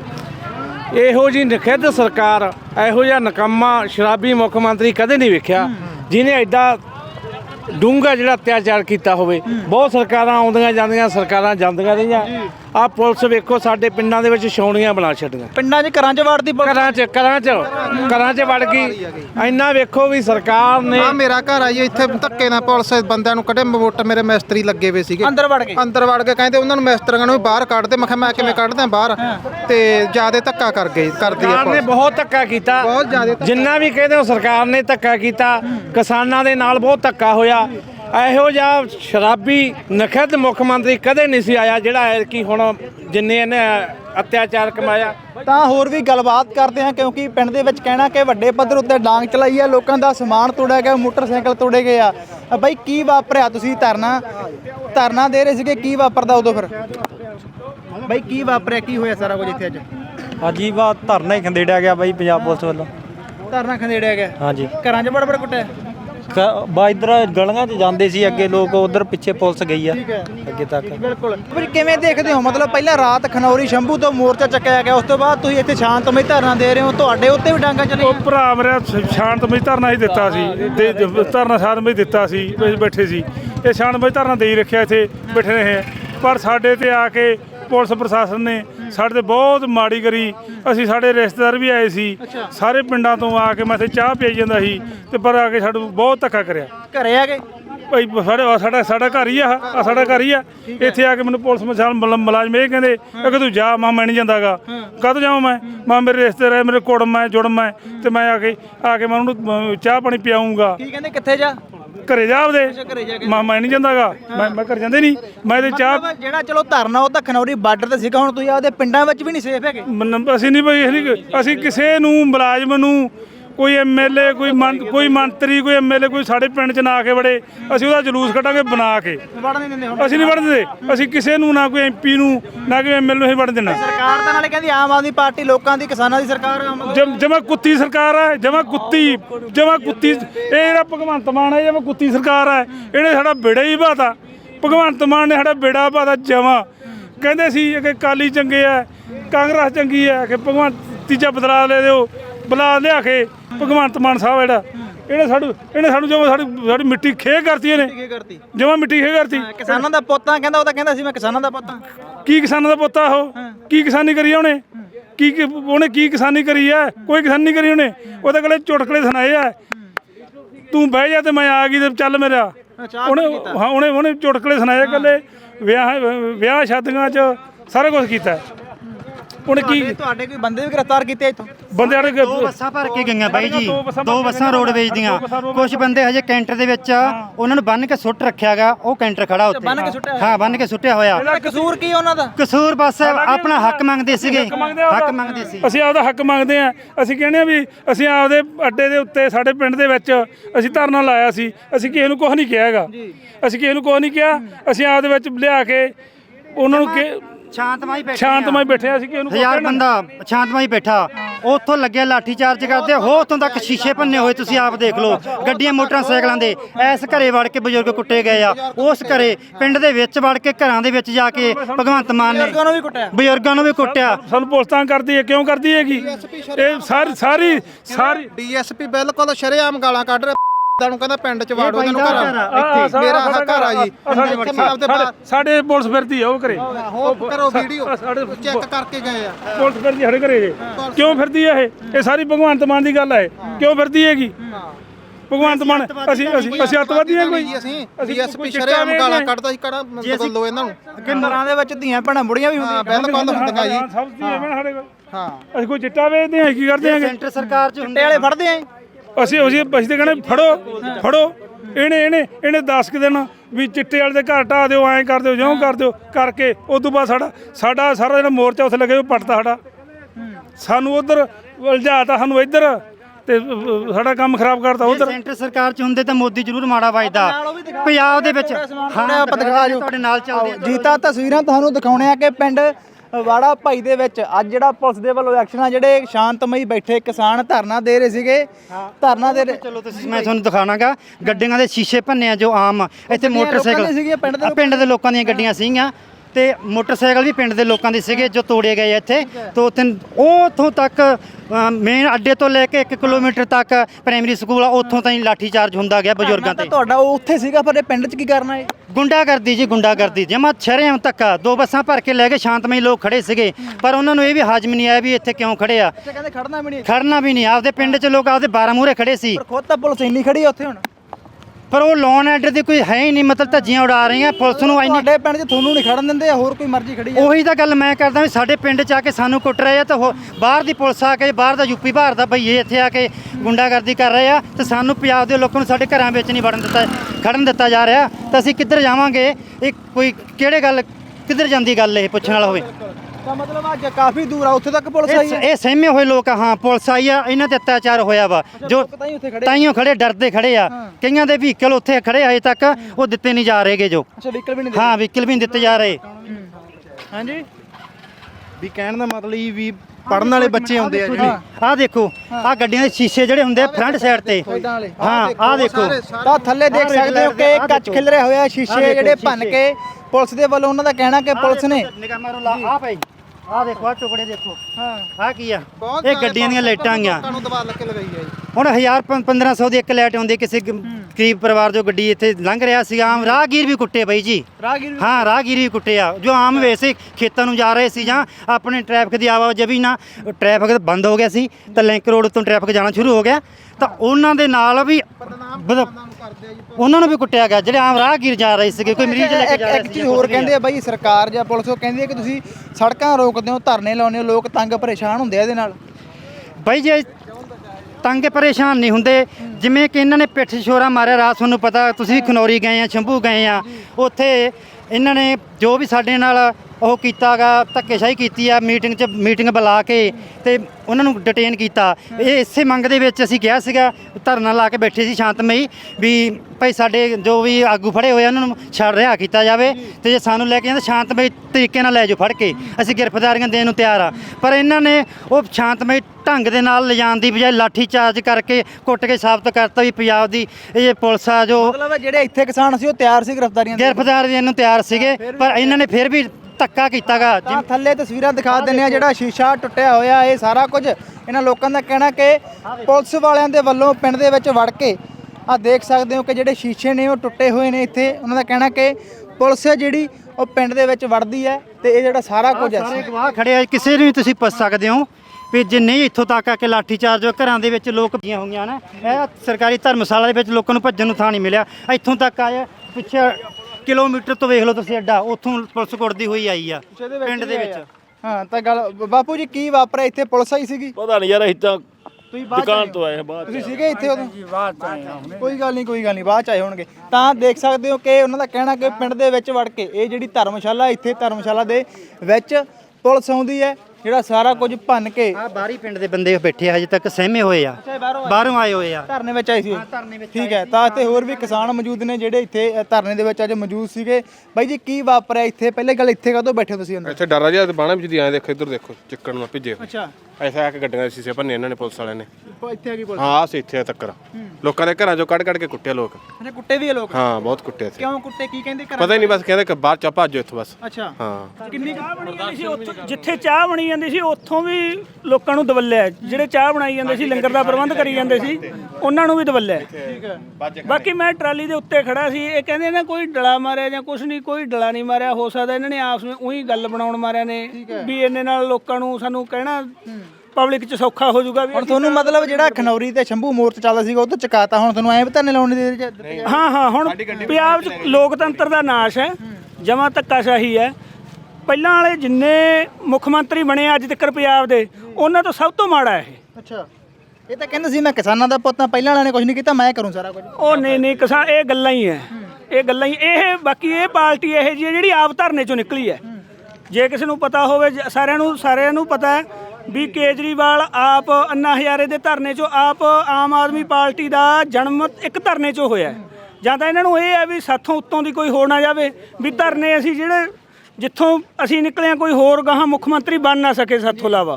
Speaker 6: ਇਹੋ ਜਿਹੀ ਨਖਿੱਧ ਸਰਕਾਰ, ਇਹੋ ਜਿਹਾ ਨਿਕੰਮਾ ਸ਼ਰਾਬੀ ਮੁੱਖ ਮੰਤਰੀ ਕਦੇ ਨਹੀਂ ਵੇਖਿਆ ਜਿਹਨੇ ਐਡਾ ਡੂੰਘਾ ਜਿਹੜਾ ਅਤਿਆਚਾਰ ਕੀਤਾ ਹੋਵੇ। ਬਹੁਤ ਸਰਕਾਰਾਂ ਆਉਂਦੀਆਂ ਜਾਂਦੀਆਂ, ਸਰਕਾਰਾਂ ਜਾਂਦੀਆਂ ਰਹੀਆਂ। ਆਹ ਪੁਲਿਸ ਵੇਖੋ ਸਾਡੇ ਪਿੰਡਾਂ ਦੇ ਵਿੱਚ ਛਾਉਣੀਆਂ ਬਣਾ ਛੱਡੀਆਂ,
Speaker 2: ਪਿੰਡਾਂ 'ਚ ਘਰਾਂ 'ਚ ਵੜਦੀ ਪੁਲਿਸ।
Speaker 6: ਘਰਾਂ 'ਚ ਘਰਾਂ 'ਚ ਘਰਾਂ 'ਚ ਵੜ ਗਈ। ਇੰਨਾ ਵੇਖੋ ਵੀ ਸਰਕਾਰ ਨੇ
Speaker 7: ਆ ਮੇਰਾ ਘਰ ਆ ਜੀ, ਇੱਥੇ ਧੱਕੇ ਨਾਲ ਪੁਲਿਸ ਬੰਦਿਆਂ ਨੂੰ ਕੱਢੇ। ਵੋਟ ਮੇਰੇ ਮਿਸਤਰੀ ਲੱਗੇ ਹੋਏ ਸੀਗੇ,
Speaker 2: ਅੰਦਰ ਵੜ ਗਏ
Speaker 7: ਅੰਦਰ ਵੜ ਕੇ ਕਹਿੰਦੇ ਉਹਨਾਂ ਨੂੰ ਮਿਸਤਰੀਆਂ ਨੂੰ ਵੀ ਬਾਹਰ ਕੱਢ ਦੇ। ਮੈਂ ਕਿਹਾ ਮੈਂ ਕਿਵੇਂ ਕੱਢਦਾ ਬਾਹਰ, ਤੇ ਜਿਆਦੇ ਧੱਕਾ ਕਰ ਗਏ ਕਰਦੀ ਆ
Speaker 6: ਸਰਕਾਰ ਨੇ
Speaker 7: ਪੁਲਿਸ।
Speaker 6: ਬਹੁਤ ਧੱਕਾ ਕੀਤਾ,
Speaker 7: ਬਹੁਤ ਜ਼ਿਆਦਾ ਧੱਕਾ।
Speaker 6: ਜਿੰਨਾ ਵੀ ਕਹਿੰਦੇ ਹੋ ਸਰਕਾਰ ਨੇ ਧੱਕਾ ਕੀਤਾ। ਕਿਸਾਨਾਂ ਦੇ ਨਾਲ ਬਹੁਤ ਧੱਕਾ ਹੋਇਆ। ਇਹੋ ਜਿਹਾ ਸ਼ਰਾਬੀ ਨਖਿੱਧ ਮੁੱਖ ਮੰਤਰੀ ਕਦੇ ਨਹੀਂ ਸੀ ਆਇਆ ਜਿਹੜਾ ਕਿ ਹੁਣ ਜਿੰਨੇ ਇਹਨੇ ਅਤਿਆਚਾਰ ਕਮਾਇਆ।
Speaker 2: ਤਾਂ ਹੋਰ ਵੀ ਗੱਲਬਾਤ ਕਰਦੇ ਹਾਂ, ਕਿਉਂਕਿ ਪਿੰਡ ਦੇ ਵਿੱਚ ਕਹਿਣਾ ਕਿ ਵੱਡੇ ਪੱਧਰ ਉੱਤੇ ਡਾਂਗ ਚਲਾਈ ਆ, ਲੋਕਾਂ ਦਾ ਸਮਾਨ ਤੋੜਿਆ ਗਿਆ, ਮੋਟਰਸਾਈਕਲ ਤੋੜੇ ਗਏ ਆ। ਅ ਬਾਈ ਕੀ ਵਾਪਰਿਆ? ਤੁਸੀਂ ਧਰਨਾ ਧਰਨਾ ਦੇ ਰਹੇ ਸੀਗੇ, ਕੀ ਵਾਪਰਦਾ ਉਦੋਂ ਫਿਰ? ਬਾਈ ਕੀ ਵਾਪਰਿਆ, ਕੀ ਹੋਇਆ ਸਾਰਾ ਕੁਝ ਇੱਥੇ ਅੱਜ?
Speaker 8: ਹਾਂਜੀ ਬਾ ਧਰਨਾ ਹੀ ਖੰਡੇੜਿਆ ਗਿਆ ਬਾਈ ਪੰਜਾਬ ਪੁਲਿਸ ਵੱਲੋਂ।
Speaker 2: ਧਰਨਾ ਖੰਡੇੜਿਆ ਗਿਆ,
Speaker 8: ਹਾਂਜੀ
Speaker 2: ਘਰਾਂ 'ਚ ਬੜ ਬੜ ਕੁੱਟਿਆ।
Speaker 8: ਬਾ ਇੱਧਰ ਗਲੀਆਂ 'ਚ ਜਾਂਦੇ ਸੀ ਅੱਗੇ ਲੋਕ, ਉਧਰ ਪਿੱਛੇ ਪੁਲਿਸ ਗਈ ਆ ਅੱਗੇ ਤੱਕ।
Speaker 2: ਬਿਲਕੁਲ। ਫਿਰ ਕਿਵੇਂ ਦੇਖਦੇ ਹੋ, ਮਤਲਬ ਪਹਿਲਾਂ ਰਾਤ ਖਨੌਰੀ ਸ਼ੰਭੂ ਤੋਂ ਮੋਰਚਾ ਚੱਕਿਆ ਗਿਆ, ਉਸ ਤੋਂ ਬਾਅਦ ਤੁਸੀਂ ਇੱਥੇ ਸ਼ਾਂਤਮਈ ਧਰਨਾ ਦੇ ਰਹੇ ਹੋ, ਤੁਹਾਡੇ ਉੱਤੇ ਵੀ ਡਾਂਗਾ ਚੱਲੀਆਂ?
Speaker 3: ਉਹ ਭਰਾ ਮੇਰਾ ਸ਼ਾਂਤਮਈ ਧਰਨਾ ਹੀ ਦਿੱਤਾ ਸੀ, ਤੇ ਧਰਨਾ ਸ਼ਾਂਤਮਈ ਦਿੱਤਾ ਸੀ, ਅਸੀਂ ਬੈਠੇ ਸੀ। ਇਹ ਸ਼ਾਂਤਮਈ ਧਰਨਾ ਦੇ ਹੀ ਰੱਖਿਆ, ਇੱਥੇ ਬੈਠੇ ਰਹੇ। ਪਰ ਸਾਡੇ ਤੇ ਆ ਕੇ ਪੁਲਿਸ ਪ੍ਰਸ਼ਾਸਨ ਨੇ ਸਾਡੇ ਤੇ ਬਹੁਤ ਮਾੜੀ ਕਰੀ। ਅਸੀਂ ਸਾਡੇ ਰਿਸ਼ਤੇਦਾਰ ਵੀ ਆਏ ਸੀ, ਸਾਰੇ ਪਿੰਡਾਂ ਤੋਂ ਆ ਕੇ ਮੈਂ ਇੱਥੇ ਚਾਹ ਪਿਆਈ ਜਾਂਦਾ ਸੀ, ਤੇ ਪਰ ਆ ਕੇ ਸਾਨੂੰ ਬਹੁਤ ਧੱਕਾ ਕਰਿਆ।
Speaker 2: ਘਰੇ ਆ ਗਏ
Speaker 3: ਭਾਈ ਸਾਡੇ ਸਾਡਾ ਸਾਡਾ ਘਰ ਹੀ ਆ, ਆਹ ਸਾਡਾ ਘਰ ਹੀ ਆ। ਇੱਥੇ ਆ ਕੇ ਮੈਨੂੰ ਪੁਲਿਸ ਮਸਾਲ ਮੁਲਾਜ਼ਮ ਇਹ ਕਹਿੰਦੇ ਕਿ ਤੂੰ ਜਾ। ਮਾਂ ਮੈਂ ਨਹੀਂ ਜਾਂਦਾਗਾ। ਕਦੋਂ ਜਾਵਾਂ ਮੈਂ? ਮਾਂ ਮੇਰੇ ਰਿਸ਼ਤੇਦਾਰ, ਮੇਰੇ ਕੁੜਮ ਹੈ ਜੁੜਮ ਹੈ, ਤੇ ਮੈਂ ਆ ਕੇ ਆ ਕੇ ਮੈਂ ਉਹਨੂੰ ਚਾਹ ਪਾਣੀ ਪਿਆਉਂਗਾ।
Speaker 2: ਕੀ ਕਹਿੰਦੇ, ਕਿੱਥੇ ਜਾ?
Speaker 3: ਘਰੇ ਜਾ ਆਪਦੇ। ਮਾਂ ਮੈਂ ਨਹੀਂ ਜਾਂਦਾਗਾ, ਮੈਂ ਮੈਂ ਘਰ ਜਾਂਦੇ ਨਹੀਂ, ਮੈਂ ਤੇ ਚਾਹ।
Speaker 2: ਮਤਲਬ ਜਿਹੜਾ ਚਲੋ ਧਰਨਾ ਉਹ ਤਾਂ ਖਨੌਰੀ ਬਾਰਡਰ ਤੇ ਸੀਗਾ, ਹੁਣ ਤੁਸੀਂ ਆਪਦੇ ਪਿੰਡਾਂ ਵਿੱਚ ਵੀ ਨਹੀਂ ਸੇਫ ਹੈਗੇ?
Speaker 3: ਮਨ- ਅਸੀਂ ਨਹੀਂ ਭਾਈ, ਅਸੀਂ ਅਸੀਂ ਕਿਸੇ ਨੂੰ ਮੁਲਾਜ਼ਮ ਨੂੰ, ਕੋਈ ਐਮਐਲਏ, ਕੋਈ ਮੰ ਕੋਈ ਮੰਤਰੀ, ਕੋਈ ਐਮਐਲਏ, ਕੋਈ ਸਾਡੇ ਪਿੰਡ 'ਚ ਨਾ ਆ ਕੇ ਵੜੇ, ਅਸੀਂ ਉਹਦਾ ਜਲੂਸ ਕੱਢਾਂਗੇ ਬਣਾ ਕੇ।
Speaker 2: ਵੜਨ ਨਹੀਂ ਦਿੰਦੇ ਹੁਣ?
Speaker 3: ਅਸੀਂ ਨਹੀਂ ਵੜਨ ਦਿੰਦੇ। ਅਸੀਂ ਕਿਸੇ ਨੂੰ, ਨਾ ਕੋਈ ਐਮਪੀ ਨੂੰ, ਨਾ ਕੋਈ ਐਮਐਲਏ ਨੂੰ ਅਸੀਂ ਵੜਨ ਦੇਣਾ।
Speaker 2: ਸਰਕਾਰ ਤਾਂ ਨਾਲੇ ਕਹਿੰਦੀ ਆਮ ਆਦਮੀ ਪਾਰਟੀ ਲੋਕਾਂ ਦੀ, ਕਿਸਾਨਾਂ ਦੀ ਸਰਕਾਰ ਆ।
Speaker 3: ਜਮ ਜਮਾ ਕੁੱਤੀ ਸਰਕਾਰ ਹੈ, ਜਮਾ ਕੁੱਤੀ, ਜਮਾ ਕੁੱਤੀ। ਇਹ ਜਿਹੜਾ ਭਗਵੰਤ ਮਾਨ ਹੈ, ਜਮਾ ਕੁੱਤੀ ਸਰਕਾਰ ਹੈ। ਇਹਨੇ ਸਾਡਾ ਬੇੜਾ ਹੀ ਬਾਤਾ। ਭਗਵੰਤ ਮਾਨ ਨੇ ਸਾਡਾ ਬੇੜਾ ਬਾਤਾ ਜਮਾ। ਕਹਿੰਦੇ ਸੀ ਕਿ ਅਕਾਲੀ ਚੰਗੇ ਆ, ਕਾਂਗਰਸ ਚੰਗੀ ਹੈ, ਕਿ ਭਗਵੰਤ ਤੀਜਾ ਬਦਲਾ ਲੈ ਦਿਓ, ਬੁਲਾ ਲਿਆ ਕੇ ਭਗਵੰਤ ਮਾਨ ਸਾਹਿਬ ਜਿਹੜਾ ਇਹਨੇ ਸਾਨੂੰ ਇਹਨੇ ਸਾਨੂੰ ਜਮਾ ਸਾਡੀ ਸਾਡੀ ਮਿੱਟੀ ਖੇ ਕਰਤੀ। ਇਹਨੇ ਜਮਾ ਮਿੱਟੀ ਖੇ ਕਰਤੀ।
Speaker 2: ਕਿਸਾਨਾਂ ਦਾ ਪੁੱਤਾਂ ਕਹਿੰਦਾ, ਉਹ ਤਾਂ ਕਹਿੰਦਾ ਸੀ ਮੈਂ ਕਿਸਾਨਾਂ ਦਾ ਪੁੱਤਾਂ।
Speaker 3: ਕੀ ਕਿਸਾਨਾਂ ਦਾ ਪੁੱਤ ਆ ਉਹ? ਕੀ ਕਿਸਾਨੀ ਕਰੀ ਉਹਨੇ? ਕੀ ਕੀ- ਉਹਨੇ ਕੀ ਕਿਸਾਨੀ ਕਰੀ ਹੈ? ਕੋਈ ਕਿਸਾਨੀ ਕਰੀ ਉਹਨੇ। ਉਹਦੇ ਕੋਲੇ ਚੁਟਕਲੇ ਸੁਣਾਏ ਆ, ਤੂੰ ਬਹਿ ਜਾ ਤੇ ਮੈਂ ਆ ਗਈ ਤੇ ਚੱਲ ਮੇਰਾ। ਉਹਨੇ ਹਾਂ ਉਹਨੇ ਉਹਨੇ ਚੁਟਕਲੇ ਸੁਣਾਏ ਇਕੱਲੇ। ਵਿਆਹ ਵਿਆਹ ਸ਼ਾਦੀਆਂ 'ਚ ਸਾਰਾ ਕੁਝ ਕੀਤਾ ਉਹਨੇ। ਕੀ
Speaker 2: ਤੁਹਾਡੇ ਕੋਈ ਬੰਦੇ ਵੀ ਗ੍ਰਿਫਤਾਰ ਕੀਤੇ ਇੱਥੋਂ?
Speaker 3: ਬੰਦੇ ਆੜੇ
Speaker 5: ਦੋ ਬੱਸਾਂ ਭਰ ਕੇ ਗਈਆਂ ਬਾਈ ਜੀ, ਦੋ ਬੱਸਾਂ ਰੋਡਵੇਜ ਦੀਆਂ। ਕੁਝ ਬੰਦੇ ਹਜੇ ਕੈਂਟਰ ਦੇ ਵਿੱਚ ਆ, ਉਹਨਾਂ ਨੂੰ ਬੰਨ ਕੇ ਸੁੱਟ ਰੱਖਿਆਗਾ। ਉਹ ਕੈਂਟਰ ਖੜਾ ਉੱਤੇ,
Speaker 2: ਬੰਨ ਕੇ ਸੁੱਟਿਆ?
Speaker 5: ਹਾਂ ਬੰਨ ਕੇ ਸੁੱਟਿਆ ਹੋਇਆ।
Speaker 2: ਕਸੂਰ ਕੀ ਉਹਨਾਂ ਦਾ?
Speaker 5: ਕਸੂਰ ਬਸ ਆਪਣਾ ਹੱਕ ਮੰਗਦੇ ਸੀਗੇ, ਹੱਕ ਮੰਗਦੇ ਸੀ।
Speaker 3: ਅਸੀਂ ਆਪਦਾ ਹੱਕ ਮੰਗਦੇ ਆ। ਅਸੀਂ ਕਹਿੰਦੇ ਆ ਵੀ ਅਸੀਂ ਆਪਦੇ ਅੱਡੇ ਦੇ ਉੱਤੇ, ਸਾਡੇ ਪਿੰਡ ਦੇ ਵਿੱਚ ਅਸੀਂ ਧਰਨਾ ਲਾਇਆ ਸੀ। ਅਸੀਂ ਕਿਸੇ ਨੂੰ ਕੁਝ ਨਹੀਂ ਕਿਹਾ ਹੈਗਾ, ਅਸੀਂ ਕਿਸੇ ਨੂੰ ਕੁਝ ਨਹੀਂ ਕਿਹਾ। ਅਸੀਂ ਆਪਦੇ ਵਿੱਚ ਲਿਆ ਕੇ ਉਹਨਾਂ ਨੂੰ ਕਿ
Speaker 5: ਸ਼ਾਂਤਮਈ ਬੈਠੇ,
Speaker 3: ਸ਼ਾਂਤਮਈ ਬੈਠੇ। ਅਸੀਂ ਕਿਸੇ ਨੂੰ
Speaker 5: ਹਜ਼ਾਰ ਬੰਦਾ ਸ਼ਾਂਤਮਈ ਬੈਠਾ, ਉੱਥੋਂ ਲੱਗਿਆ ਲਾਠੀ ਚਾਰਜ ਕਰਦੇ, ਹੋ ਉੱਥੋਂ ਤੱਕ ਸ਼ੀਸ਼ੇ ਭੰਨੇ ਹੋਏ। ਤੁਸੀਂ ਆਪ ਦੇਖ ਲਓ, ਗੱਡੀਆਂ ਮੋਟਰਸਾਈਕਲਾਂ ਦੇ। ਐਸ ਘਰੇ ਵੜ ਕੇ ਬਜ਼ੁਰਗ ਕੁੱਟੇ ਗਏ ਆ, ਉਸ ਘਰੇ ਪਿੰਡ ਦੇ ਵਿੱਚ ਵੜ ਕੇ, ਘਰਾਂ ਦੇ ਵਿੱਚ ਜਾ ਕੇ ਭਗਵੰਤ ਮਾਨ ਨੇ
Speaker 2: ਬਜ਼ੁਰਗਾਂ ਨੂੰ ਵੀ ਕੁੱਟਿਆ।
Speaker 5: ਬਜ਼ੁਰਗਾਂ ਨੂੰ ਵੀ ਕੁੱਟਿਆ।
Speaker 3: ਸਾਨੂੰ ਪੁਲਿਸ ਤੰਗ ਕਰਦੀ ਹੈ। ਕਿਉਂ ਕਰਦੀ ਹੈਗੀ? ਇਹ ਸਾਰੀ ਸਾਰੀ ਸਾਰੀ
Speaker 7: ਡੀਐਸਪੀ ਬਿਲਕੁਲ ਸ਼ਰੇਆਮ ਗਾਲਾਂ ਕੱਢ ਰਿਹਾ। ਨੂੰ ਕਹਿੰਦਾ ਪਿੰਡ 'ਚ ਵਾੜੋ ਇਹਨਾਂ ਨੂੰ
Speaker 3: ਆਹ,
Speaker 7: ਘਰ।
Speaker 3: ਸਾਰਾ
Speaker 7: ਮੇਰਾ
Speaker 3: ਸਾਡਾ
Speaker 7: ਘਰ ਆ ਜੀ, ਇੱਥੇ ਮੈਂ ਆਪਦੇ ਬਾਹਰ
Speaker 3: ਸਾਡੇ- ਸਾਡੇ ਪੁਲਿਸ ਫਿਰਦੀ ਆ ਉਹ ਘਰੇ।
Speaker 7: ਹੋ ਕਰੋ ਵੀਡੀਓ ਚੈੱਕ ਕਰਕੇ ਗਏ ਆ।
Speaker 3: ਪੁਲਿਸ ਫਿਰਦੀ ਸਾਡੇ ਘਰੇ ਇਹ। ਕਿਉਂ ਫਿਰਦੀ ਹੈ ਇਹ? ਇਹ ਸਾਰੀ ਭਗਵੰਤ ਮਾਨ ਦੀ ਗੱਲ ਹੈ। ਕਿਉਂ ਫਿਰਦੀ ਹੈਗੀ ਭਗਵੰਤ ਮਾਨ? ਅਸੀਂ ਅਸੀਂ ਅਸੀਂ ਅੱਤਵਾਦੀ ਹਾਂ ਕੋਈ?
Speaker 7: ਅਸੀਂ ਡੀਐਸਪੀ ਸ਼ਰੇਆਮ ਗਾਲਾਂ ਕੱਢਦਾ ਸੀ। ਕੜਾ ਬਦਲੋ ਇਹਨਾਂ ਨੂੰ।
Speaker 2: ਘਰਾਂ ਦੇ ਵਿੱਚ ਧੀਆਂ ਭੈਣਾਂ ਬੁੜੀਆਂ ਵੀ ਹੁੰਦੀਆਂ।
Speaker 7: ਬਿਲਕੁਲ ਹੁੰਦੀਆਂ ਜੀ।
Speaker 3: ਸਭ ਦੀ ਐਵੇਂ ਸਾਡੇ ਕੋਲ।
Speaker 7: ਹਾਂ
Speaker 3: ਅਸੀਂ ਕੋਈ ਚਿੱਟਾ ਵੇਚਦੇ ਹਾਂ, ਕੀ ਕਰਦੇ ਹਾਂ?
Speaker 5: ਸੈਂਟਰ ਸਰਕਾਰ 'ਚ
Speaker 2: ਚਿੱਟੇ ਵਾਲੇ ਫੜਦੇ ਆਂ।
Speaker 3: ਅਸੀਂ ਅਸੀਂ ਅਸੀਂ ਤਾਂ ਕਹਿੰਦੇ ਫੜੋ ਫੜੋ। ਇਹਨੇ ਇਹਨੇ ਇਹਨੇ ਦਸ ਕੁ ਦਿਨ ਵੀ ਚਿੱਟੇ ਵਾਲੇ ਦੇ ਘਰ ਢਾਹ ਦਿਓ, ਐਂ ਕਰ ਦਿਓ, ਜਿਉਂ ਕਰ ਦਿਓ ਕਰਕੇ। ਉਸ ਤੋਂ ਬਾਅਦ ਸਾਡਾ ਸਾਡਾ ਸਾਰਾ ਜਿਹੜਾ ਮੋਰਚਾ ਉੱਥੇ ਲੱਗੇ ਉਹ ਪੱਟਤਾ ਸਾਡਾ। ਸਾਨੂੰ ਉਧਰ ਉਲਝਾਤਾ, ਸਾਨੂੰ ਇੱਧਰ ਤੇ ਅ, ਸਾਡਾ ਕੰਮ ਖਰਾਬ ਕਰਤਾ
Speaker 5: ਜੇ
Speaker 3: ਉਧਰ।
Speaker 5: ਸੈਂਟਰ ਸਰਕਾਰ ਚ ਹੁੰਦੇ ਤਾਂ ਮੋਦੀ ਜ਼ਰੂਰ ਮਾੜਾ ਵੱਜਦਾ ਪੰਜਾਬ ਦੇ ਵਿੱਚ।
Speaker 2: ਹਾਂ ਆਪਾਂ ਦਿਖਾ ਜੋ
Speaker 5: ਤੁਹਾਡੇ ਨਾਲ ਚੱਲਦੇ ਆ।
Speaker 2: ਜੀ ਤਾਂ ਤਸਵੀਰਾਂ ਤੁਹਾਨੂੰ ਦਿਖਾਉਣੇ ਆ ਕਿ ਪਿੰਡ ਵਾੜਾ ਭਾਈ ਦੇ ਵਿੱਚ ਅੱਜ ਜਿਹੜਾ ਪੁਲਿਸ ਦੇ ਵੱਲੋਂ ਐਕਸ਼ਨ ਆ, ਜਿਹੜੇ ਸ਼ਾਂਤਮਈ ਬੈਠੇ ਕਿਸਾਨ ਧਰਨਾ ਦੇ ਰਹੇ ਸੀਗੇ, ਧਰਨਾ ਦੇ ਰਹੇ
Speaker 5: ਚਲੋ ਤੁਸੀਂ ਮੈਂ ਤੁਹਾਨੂੰ ਦਿਖਾਣਾਗਾ ਗੱਡੀਆਂ ਦੇ ਸ਼ੀਸ਼ੇ ਭੰਨੇ ਆ ਜੋ ਆਮ ਇੱਥੇ
Speaker 2: ਗੱਡੀਆਂ
Speaker 5: ਮੋਟਰਸਾਈਕਲ
Speaker 2: ਲੋਕਾਂ ਦੀਆਂ ਸੀਗੀਆਂ, ਪਿੰਡ ਦੇ
Speaker 5: ਆ, ਪਿੰਡ ਦੇ ਲੋਕਾਂ ਦੀਆਂ ਗੱਡੀਆਂ ਸੀਗੀਆਂ ਤੇ ਮੋਟਰਸਾਈਕਲ ਵੀ ਪਿੰਡ ਦੇ ਲੋਕਾਂ ਦੇ ਸੀਗੇ ਜੋ ਤੋੜੇ ਗਏ ਆ ਇੱਥੇ। ਤੋਂ ਉੱਥੇ ਉਹ ਉੱਥੋਂ ਤੱਕ ਮੇਨ ਅੱਡੇ ਤੋਂ ਲੈ ਕੇ ਇੱਕ ਕਿਲੋਮੀਟਰ ਤੱਕ ਪ੍ਰਾਇਮਰੀ ਸਕੂਲ ਆ, ਉੱਥੋਂ ਤਾਈਂ ਲਾਠੀ ਚਾਰਜ ਹੁੰਦਾ ਗਿਆ ਬਜ਼ੁਰਗਾਂ ਤੇ।
Speaker 2: ਤੁਹਾਡਾ ਉਹ ਉੱਥੇ ਸੀਗਾ, ਪਰ ਇਹ ਪਿੰਡ 'ਚ ਕੀ ਕਰਨਾ ਹੈ?
Speaker 5: ਗੁੰਡਾਗਰਦੀ ਜੀ ਗੁੰਡਾਗਰਦੀ ਜਮਾ ਸ਼ਰੇਆਮ ਧੱਕਾ। ਦੋ ਬੱਸਾਂ ਭਰ ਕੇ ਲੈ ਕੇ ਸ਼ਾਂਤਮਈ ਲੋਕ ਖੜੇ ਸੀਗੇ, ਪਰ ਉਹਨਾਂ ਨੂੰ ਇਹ ਵੀ ਹਾਜ਼ਮ ਨਹੀਂ ਆਇਆ ਵੀ ਇੱਥੇ ਕਿਉਂ ਖੜੇ ਆ।
Speaker 2: ਅੱਛਾ ਕਹਿੰਦੇ ਖੜਨਾ ਵੀ ਨਹੀਂ,
Speaker 5: ਖੜਨਾ ਵੀ ਨਹੀਂ। ਆਪਦੇ ਪਿੰਡ 'ਚ ਲੋਕ ਆਪਦੇ ਬਾਰਾਂ ਮੂਹਰੇ ਖੜੇ ਸੀ,
Speaker 2: ਪਰ ਖੁਦ ਤਾਂ ਪੁਲਿਸ ਇੰਨੀ ਖੜੀ ਆ ਉੱਥੇ ਹੁਣ।
Speaker 5: ਪਰ ਉਹ ਲੋਨ ਆਰਡਰ ਦੀ ਕੋਈ ਹੈ ਹੀ ਨਹੀਂ, ਮਤਲਬ ਧੱਜੀਆਂ ਉਡਾ ਰਹੀਆਂ ਪੁਲਿਸ ਨੂੰ ਇੰਨੀ।
Speaker 2: ਤੁਹਾਡੇ ਪਿੰਡ 'ਚ ਤੁਹਾਨੂੰ ਨਹੀਂ ਖੜਨ ਦਿੰਦੇ, ਹੋਰ ਕੋਈ ਮਰਜ਼ੀ ਖੜੀ ਆ?
Speaker 5: ਉਹੀ ਤਾਂ ਗੱਲ ਮੈਂ ਕਰਦਾ ਵੀ ਸਾਡੇ ਪਿੰਡ 'ਚ ਆ ਕੇ ਸਾਨੂੰ ਕੁੱਟ ਰਹੇ ਆ, ਤਾਂ ਉਹ ਬਾਹਰ ਦੀ ਪੁਲਿਸ ਆ ਕੇ, ਬਾਹਰ ਦਾ ਯੂਪੀ ਬਾਹਰ ਦਾ ਭਈਏ ਇੱਥੇ ਆ ਕੇ ਗੁੰਡਾਗਰਦੀ ਕਰ ਰਹੇ ਆ, ਤੇ ਸਾਨੂੰ ਪੰਜਾਬ ਦੇ ਲੋਕਾਂ ਨੂੰ ਸਾਡੇ ਘਰਾਂ ਵਿੱਚ ਨਹੀਂ ਵੜਨ ਦਿੱਤਾ, ਖੜਨ ਦਿੱਤਾ ਜਾ ਰਿਹਾ। ਤਾਂ ਅਸੀਂ ਕਿੱਧਰ ਜਾਵਾਂਗੇ? ਇਹ ਕੋਈ ਕਿਹੜੇ ਗੱਲ ਕਿੱਧਰ ਜਾਂਦੀ ਗੱਲ ਇਹ ਪੁੱਛਣ ਵਾਲਾ ਹੋਵੇ।
Speaker 2: ਤਾਂ ਮਤਲਬ ਅੱਜ ਕਾਫੀ ਦੂਰ ਆ, ਉੱਥੇ ਤੱਕ ਪੁਲਿਸ ਆਈ
Speaker 5: ਇਹ
Speaker 2: ਹੈ?
Speaker 5: ਇਹ ਸਹਿਮੇ ਹੋਏ ਲੋਕ ਆ, ਹਾਂ ਪੁਲਿਸ ਆਈ ਆ, ਇਹਨਾਂ ਤੇ ਅਤਿਆਚਾਰ ਹੋਇਆ ਵਾ ਜੋ
Speaker 2: ਲੋਕ ਤਾਂ ਹੀ ਉੱਥੇ ਖੜੇ।
Speaker 5: ਤਾਈਓ ਖੜੇ ਡਰਦੇ ਖੜੇ ਆ। ਕਈਆਂ ਦੇ ਵਹੀਕਲ ਉੱਥੇ ਖੜੇ ਅਜੇ ਤੱਕ ਉਹ ਦਿੱਤੇ ਨਹੀਂ ਜਾ ਰਹੇਗੇ ਜੋ।
Speaker 2: ਅੱਛਾ ਵਹੀਕਲ ਵੀ ਨਹੀਂ
Speaker 5: ਹਾਂ ਵਹੀਕਲ ਵੀ ਨਹੀਂ ਦਿੱਤੇ ਜਾ ਰਹੇ।
Speaker 2: ਹਾਂਜੀ
Speaker 7: ਵੀ ਕਹਿਣ ਦਾ ਮਤਲਬ ਹੀ ਵੀ ਪੜਨ ਵਾਲੇ ਬੱਚੇ ਆਉਂਦੇ ਆ ਜਿਹੜੇ।
Speaker 5: ਆਹ ਦੇਖੋ ਆਹ ਗੱਡੀਆਂ ਦੇ ਸ਼ੀਸ਼ੇ ਜਿਹੜੇ ਹੁੰਦੇ ਆ ਫਰੰਟ ਸਾਈਡ ਤੇ, ਹਾਂ ਆਹ ਦੇਖੋ
Speaker 2: ਤਾਂ ਥੱਲੇ ਦੇਖ ਸਕਦੇ ਹੋ ਕਿ ਕੱਚ ਖਿਲਰੇ ਹੋਏ ਆ ਸ਼ੀਸ਼ੇ ਜਿਹੜੇ ਭੰਨ ਕੇ ਪੁਲਿਸ ਦੇ ਵੱਲੋਂ ਉਹਨਾਂ ਦਾ ਕਹਿਣਾ ਕਿ ਪੁਲਿਸ ਨੇ
Speaker 5: ਨਿਗਾਹ ਮਾਰੋ ਲਾ ਆ ਭਾਈ ਆਹ ਦੇਖੋ ਆਹ ਟੁਕੜੇ ਦੇਖੋ। ਹਾਂ ਆਹ ਕੀ ਆ? ਇਹ ਗੱਡੀਆਂ ਦੀਆਂ ਲਾਈਟਾਂ ਆਈਆਂ।
Speaker 7: ਲੋਕਾਂ ਨੂੰ ਦਬਾ ਲੱਗੇ ਲਗਾਈ ਹੈ ਜੀ।
Speaker 5: ਹੁਣ ਹਜ਼ਾਰ ਪੰਦਰਾਂ ਸੌ ਦੀ ਇੱਕ ਲਾਈਟ ਆਉਂਦੀ ਕਿਸੇ ਗ- ਗਰੀਬ ਪਰਿਵਾਰ ਜੋ ਗੱਡੀ ਇੱਥੇ ਲੰਘ ਰਿਹਾ ਸੀ। ਆਮ ਰਾਹਗੀਰ ਵੀ ਕੁੱਟੇ ਬਾਈ ਜੀ,
Speaker 2: ਰਾਹਗੀਰ
Speaker 5: ਹਾਂ ਰਾਹਗੀਰ ਵੀ ਕੁੱਟੇ ਆ ਜੋ ਆਮ ਵੈਸੇ ਖੇਤਾਂ ਨੂੰ ਜਾ ਰਹੇ ਸੀ ਜਾਂ ਆਪਣੇ ਟ੍ਰੈਫਿਕ ਦੀ ਆਵਾਜਾਈ ਵੀ ਨਾ ਟ੍ਰੈਫਿਕ ਬੰਦ ਹੋ ਗਿਆ ਸੀ ਤਾਂ ਲਿੰਕ ਰੋਡ ਤੋਂ ਟ੍ਰੈਫਿਕ ਜਾਣਾ ਸ਼ੁਰੂ ਹੋ ਗਿਆ, ਤਾਂ ਉਹਨਾਂ ਦੇ ਨਾਲ ਵੀ ਬਦ- ਉਹਨਾਂ ਨੂੰ ਵੀ ਕੁੱਟਿਆ ਗਿਆ ਜਿਹੜੇ ਆਮ ਰਾਹਗੀਰ ਜਾ ਰਹੇ ਸੀਗੇ। ਕੋਈ ਮਰੀਜ਼ ਲੈ ਕੇ ਜਾ ਰਿਹਾ
Speaker 2: ਇੱਕ
Speaker 5: ਸੀ
Speaker 2: ਚੀਜ਼ ਹੋਰ ਕਹਿੰਦੇ ਆ ਬਾਈ, ਸਰਕਾਰ ਜਾਂ ਪੁਲਿਸ ਉਹ ਕਹਿੰਦੀ ਹੈ ਕਿ ਤੁਸੀਂ ਸੜਕਾਂ ਰੋਕਦੇ ਹੋ, ਧਰਨੇ ਲਾਉਂਦੇ ਹੋ, ਲੋਕ ਤੰਗ ਪਰੇਸ਼ਾਨ ਹੁੰਦੇ ਆ ਇਹਦੇ ਨਾਲ।
Speaker 5: ਬਾਈ ਜੇ ਤੰਗ ਪਰੇਸ਼ਾਨ ਨਹੀਂ ਹੁੰਦੇ, ਜਿਵੇਂ ਕਿ ਇਹਨਾਂ ਨੇ ਪਿੱਠ ਛੋਰਾ ਮਾਰਿਆ ਰਾਤ, ਤੁਹਾਨੂੰ ਪਤਾ ਤੁਸੀਂ ਵੀ ਖਨੌਰੀ ਗਏ ਆ, ਸ਼ੰਭੂ ਗਏ ਆ, ਉੱਥੇ ਇਹਨਾਂ ਨੇ ਜੋ ਵੀ ਸਾਡੇ ਨਾਲ ਉਹ ਕੀਤਾਗਾ ਧੱਕੇਸ਼ਾਹੀ ਕੀਤੀ ਆ, ਮੀਟਿੰਗ 'ਚ ਮੀਟਿੰਗ ਬੁਲਾ ਕੇ ਤੇ ਉਹਨਾਂ ਨੂੰ ਡਿਟੇਨ ਕੀਤਾ। ਇਹ ਇਸੇ ਮੰਗ ਦੇ ਵਿੱਚ ਅਸੀਂ ਕਿਹਾ ਸੀਗਾ, ਧਰਨਾ ਲਾ ਕੇ ਬੈਠੇ ਸੀ ਸ਼ਾਂਤਮਈ ਵੀ ਭਾਈ ਸਾਡੇ ਜੋ ਵੀ ਆਗੂ ਫੜੇ ਹੋਏ ਆ ਉਹਨਾਂ ਨੂੰ ਛੱਡ ਰਿਹਾ ਕੀਤਾ ਜਾਵੇ, ਤੇ ਜੇ ਸਾਨੂੰ ਲੈ ਕੇ ਜਾਂਦੇ ਸ਼ਾਂਤਮਈ ਤਰੀਕੇ ਨਾਲ ਲੈ ਜਾਓ ਫੜ ਕੇ, ਅਸੀਂ ਗ੍ਰਿਫਤਾਰੀਆਂ ਦੇਣ ਨੂੰ ਤਿਆਰ ਆ। ਪਰ ਇਹਨਾਂ ਨੇ ਉਹ ਸ਼ਾਂਤਮਈ ਢੰਗ ਦੇ ਨਾਲ ਲਿਜਾਣ ਦੀ ਬਜਾਏ ਲਾਠੀ ਚਾਰਜ ਕਰਕੇ ਕੁੱਟ ਕੇ ਸਾਬਤ ਕਰਤਾ ਵੀ ਪੰਜਾਬ ਦੀ ਇਹ ਪੁਲਿਸ ਆ ਜੋ
Speaker 2: ਮਤਲਬ ਜਿਹੜੇ ਇੱਥੇ ਕਿਸਾਨ ਸੀ ਉਹ ਤਿਆਰ ਸੀ ਗ੍ਰਿਫਤਾਰੀਆਂ ਦੇ?
Speaker 5: ਗ੍ਰਿਫਤਾਰ ਦੇਣ ਨੂੰ ਤਿਆਰ ਸੀਗੇ, ਪਰ ਇਹਨਾਂ ਨੇ ਫਿਰ ਵੀ ਧੱਕਾ ਕੀਤਾਗਾ।
Speaker 2: ਤਾਂ ਥੱਲੇ ਤਸਵੀਰਾਂ ਦਿਖਾ ਦਿੰਦੇ ਆ, ਜਿਹੜਾ ਸ਼ੀਸ਼ਾ ਟੁੱਟਿਆ ਹੋਇਆ ਇਹ ਸਾਰਾ ਕੁਝ ਇਹਨਾਂ ਲੋਕਾਂ ਦਾ ਕਹਿਣਾ ਕਿ ਪੁਲਿਸ ਵਾਲਿਆਂ ਦੇ ਵੱਲੋਂ ਪਿੰਡ ਦੇ ਵਿੱਚ ਵੜ ਕੇ ਆ ਦੇਖ ਸਕਦੇ ਹੋ ਕਿ ਜਿਹੜੇ ਸ਼ੀਸ਼ੇ ਨੇ ਉਹ ਟੁੱਟੇ ਹੋਏ ਨੇ ਇੱਥੇ। ਉਹਨਾਂ ਦਾ ਕਹਿਣਾ ਕਿ ਪੁਲਿਸ ਹੈ ਜਿਹੜੀ ਉਹ ਪਿੰਡ ਦੇ ਵਿੱਚ ਵੜਦੀ ਹੈ ਤੇ ਇਹ ਜਿਹੜਾ ਸਾਰਾ ਕੁਝ
Speaker 5: ਸਾਰੇ
Speaker 2: ਹੈ।
Speaker 5: ਗਵਾਹ ਖੜੇ ਆ, ਕਿਸੇ ਨੂੰ ਵੀ ਤੁਸੀਂ ਪੁੱਛ ਸਕਦੇ ਹੋ ਵੀ ਜੇ ਨਹੀਂ ਇੱਥੋਂ ਤੱਕ ਆ ਕੇ ਲਾਠੀ ਚਾਰਜ ਘਰਾਂ ਦੇ ਵਿੱਚ ਲੋਕ ਪਈਆਂ ਹੋਈਆਂ ਨੇ। ਇਹ ਸਰਕਾਰੀ ਧਰਮਸ਼ਾਲਾ ਦੇ ਵਿੱਚ ਲੋਕਾਂ ਨੂੰ ਭੱਜਣ ਨੂੰ ਥਾਂ ਨਹੀਂ ਮਿਲਿਆ, ਇੱਥੋਂ ਤੱਕ ਆਇਆ ਪਿੱਛੇ ਕਿਲੋਮੀਟਰ ਤੋਂ ਵੇਖ ਲਓ ਤੁਸੀਂ ਅੱਡਾ, ਉੱਥੋਂ ਪੁਲਿਸ ਕੁੱਟਦੀ ਹੋਈ ਆਈ ਆ ਪਿੰਡ ਦੇ ਵਿੱਚ।
Speaker 2: ਹਾਂ ਤਾਂ ਗੱਲ ਬਾਪੂ ਜੀ ਕੀ ਵਾਪਰਿਆ ਇੱਥੇ? ਪੁਲਿਸ ਆਈ ਸੀਗੀ?
Speaker 9: ਪਤਾ ਨਹੀਂ ਯਾਰ, ਅਸੀਂ ਤਾਂ
Speaker 2: ਤੁਸੀਂ ਬਾਅਦ 'ਚ
Speaker 9: ਦੁਕਾਨ
Speaker 2: ਆਏ?
Speaker 9: ਤੋਂ ਆਏ ਹਾਂ ਬਾਅਦ
Speaker 2: ਤੁਸੀਂ ਸੀਗੇ ਇੱਥੇ ਉਦੋਂ? ਕੋਈ ਗੱਲ ਨਹੀਂ ਕੋਈ ਗੱਲ ਨਹੀਂ ਬਾਅਦ ਚ ਆਏ ਹੋਣਗੇ। ਤਾਂ ਦੇਖ ਸਕਦੇ ਹੋ ਕਿ ਉਹਨਾਂ ਦਾ ਕਹਿਣਾ ਕਿ ਪਿੰਡ ਦੇ ਵਿੱਚ ਵੜ ਕੇ ਇਹ ਜਿਹੜੀ ਧਰਮਸ਼ਾਲਾ ਇੱਥੇ ਧਰਮਸ਼ਾਲਾ ਦੇ ਵਿੱਚ ਪੁਲਿਸ ਆਉਂਦੀ ਹੈ, ਜਿਹੜਾ ਸਾਰਾ ਕੁਝ ਭੰਨ ਕੇ।
Speaker 5: ਆ ਬਾਹਰੀ ਪਿੰਡ ਦੇ ਬੰਦੇ ਬੈਠੇ ਆ, ਹਜੇ ਤੱਕ ਸਹਿਮੇ ਹੋਏ ਆ, ਬਾਹਰੋਂ ਆਏ ਹੋਏ ਆ,
Speaker 2: ਧਰਨੇ ਵਿੱਚ ਆਏ ਸੀ। ਠੀਕ ਹੈ, ਤਾਂ ਇੱਥੇ ਹੋਰ ਵੀ ਕਿਸਾਨ ਮੌਜੂਦ ਨੇ ਜਿਹੜੇ ਇੱਥੇ ਅ, ਧਰਨੇ ਦੇ ਵਿੱਚ ਅੱਜ ਮੌਜੂਦ ਸੀਗੇ। ਬਾਈ ਜੀ ਕੀ ਵਾਪਰਿਆ ਇੱਥੇ? ਪਹਿਲੇ ਗੱਲ ਇੱਥੇ ਕਾਹਤੋਂ ਬੈਠੇ ਤੁਸੀਂ ਅੰਦਰ?
Speaker 4: ਇੱਥੇ ਡਰਾ ਜਿਹਾ ਤੇ ਬਾਣਾ ਵਿੱਚ ਦੀ ਆਏ ਦੇਖੋ, ਇੱਧਰ ਦੇਖੋ ਚਿੱਕੜ ਨੂੰ ਭਿੱਜੇ ਹੋਏ।
Speaker 2: ਅੱਛਾ
Speaker 4: ਐਸਾ ਆ ਕੇ ਗੱਡੀਆਂ ਦੇ ਸ਼ੀਸ਼ੇ ਭੰਨੇ ਇਹਨਾਂ ਨੇ ਪੁਲਿਸ ਵਾਲਿਆਂ ਨੇ।
Speaker 2: ਇੱਥੇ ਆ ਗਈ ਪੁਲਿਸ?
Speaker 4: ਹਾਂ ਆਹ ਸੀ ਇੱਥੇ ਤੱਕਰ ਲੋਕਾਂ ਦੇ ਘਰਾਂ ਚੋਂ ਕੱਢ ਕੱਢ ਕੇ ਕੁੱਟਿਆ ਲੋਕ।
Speaker 2: ਅੱਛਾ ਕੁੱਟੇ ਵੀ ਆ ਲੋਕ?
Speaker 4: ਹਾਂ ਬਹੁਤ ਕੁੱਟਿਆ ਇੱਥੇ।
Speaker 2: ਕਿਉਂ ਕੁੱਟੇ? ਕੀ ਕਹਿੰਦੇ ਘਰਾਂ?
Speaker 4: ਪਤਾ ਹੀ ਨਹੀਂ, ਬਸ ਕਹਿੰਦੇ ਕਿ ਬਾਹਰ ਚਾ ਭੱਜੋ ਇੱਥੋਂ ਬਸ।
Speaker 2: ਅੱਛਾ
Speaker 4: ਹਾਂ
Speaker 2: ਕਿੰਨੀ
Speaker 3: ਚਾਹ ਬਣੀ ਜਾਂਦੀ ਸੀ ਉੱਥੋਂ, ਜਿੱਥੇ ਚਾਹ ਬਣੀ ਜਾਂਦੀ ਸੀ ਉੱਥੋਂ ਵੀ ਲੋਕਾਂ ਨੂੰ ਦਵੱਲਿਆ। ਜਿਹੜੇ ਚਾਹ ਬਣਾਈ ਜਾਂਦੇ ਸੀ, ਲੰਗਰ ਦਾ ਪ੍ਰਬੰਧ ਕਰੀ ਜਾਂਦੇ ਸੀ, ਉਹਨਾਂ ਨੂੰ ਵੀ ਦਵੱਲਿਆ।
Speaker 2: ਠੀਕ ਹੈ।
Speaker 3: ਬਾਕੀ ਮੈਂ ਟਰਾਲੀ ਦੇ ਉੱਤੇ ਖੜਾ ਸੀ, ਇਹ ਕਹਿੰਦੇ ਨਾ ਕੋਈ ਡਲਾ ਮਾਰਿਆ ਜਾਂ ਕੁਝ ਨਹੀਂ, ਕੋਈ ਡਲਾ ਨਹੀਂ ਮਾਰਿਆ। ਹੋ ਸਕਦਾ ਇਹਨਾਂ ਨੇ ਆਪਸ ਵਿੱਚ ਉਹੀ ਗੱਲ ਬਣਾਉਣ ਮਾਰਿਆ ਨੇ ਵੀ ਇਹਨੇ ਨਾਲ ਲੋਕਾਂ ਨੂੰ ਸਾਨੂੰ ਕਹਿਣਾ ਪਬਲਿਕ 'ਚ ਸੌਖਾ ਹੋ ਜਾਊਗਾ ਵੀ
Speaker 2: ਹੁਣ ਤੁਹਾਨੂੰ ਮਤਲਬ ਜਿਹੜਾ ਖਨੌਰੀ ਤੇ ਸ਼ੰਭੂ ਮੋਰਚਾ ਚੱਲਦਾ ਸੀਗਾ ਉਹ ਤੋਂ ਚਕਾਤਾ, ਹੁਣ ਤੁਹਾਨੂੰ ਐਂ ਵੀ ਧਰਨੇ ਲਾਉਣ ਦੀ ਦਿੱਤੇ?
Speaker 3: ਹਾਂ ਹਾਂ ਹੁਣ ਪੰਜਾਬ 'ਚ ਲੋਕਤੰਤਰ ਦਾ ਨਾਸ਼ ਹੈ, ਜਮਾਂ ਧੱਕਾਸ਼ਾਹੀ ਹੈ। ਪਹਿਲਾਂ ਵਾਲੇ ਜਿੰਨੇ ਮੁੱਖ ਮੰਤਰੀ ਬਣੇ ਅੱਜ ਤੱਕ ਪੰਜਾਬ ਦੇ, ਉਹਨਾਂ ਤੋਂ ਸਭ ਤੋਂ ਮਾੜਾ ਇਹ।
Speaker 2: ਅੱਛਾ ਇਹ ਤਾਂ ਕਹਿੰਦੇ ਸੀ ਮੈਂ ਕਿਸਾਨਾਂ ਦਾ ਪੁੱਤ ਹਾਂ, ਪਹਿਲਾਂ ਵਾਲਿਆਂ ਨੇ ਕੁਝ ਨਹੀਂ ਕੀਤਾ, ਮੈਂ ਕਰੂੰ ਸਾਰਾ ਕੁਝ।
Speaker 3: ਉਹ ਨਹੀਂ ਨਹੀਂ ਕਿਸਾਨ, ਇਹ ਗੱਲਾਂ ਹੀ ਹੈ, ਇਹ ਗੱਲਾਂ ਹੀ। ਇਹ ਬਾਕੀ ਇਹ ਪਾਰਟੀ ਇਹ ਜੀ ਜਿਹੜੀ ਆਪ ਧਰਨੇ 'ਚੋਂ ਨਿਕਲੀ ਹੈ। ਜੇ ਕਿਸੇ ਨੂੰ ਪਤਾ ਹੋਵੇ, ਜ- ਸਾਰਿਆਂ ਨੂੰ ਸਾਰਿਆਂ ਨੂੰ ਪਤਾ ਹੈ
Speaker 9: ਵੀ ਕੇਜਰੀਵਾਲ ਆਪ ਅੰਨਾ ਹਜ਼ਾਰੇ ਦੇ ਧਰਨੇ 'ਚੋਂ ਆਪ ਆਮ ਆਦਮੀ ਪਾਰਟੀ ਦਾ ਜਨਮ ਇੱਕ ਧਰਨੇ 'ਚੋਂ ਹੋਇਆ ਹੈ। ਜਾਂ ਤਾਂ ਇਹਨਾਂ ਨੂੰ ਇਹ ਹੈ ਵੀ ਸਾਥੋਂ ਉੱਤੋਂ ਦੀ ਕੋਈ ਹੋ ਨਾ ਜਾਵੇ, ਵੀ ਧਰਨੇ ਅਸੀਂ ਜਿਹੜੇ ਜਿੱਥੋਂ ਅਸੀਂ ਨਿਕਲੇ ਹਾਂ ਕੋਈ ਹੋਰ ਗਾਹਾਂ ਮੁੱਖ ਮੰਤਰੀ ਬਣ ਨਾ ਸਕੇ ਸਾਥੋਂ ਇਲਾਵਾ।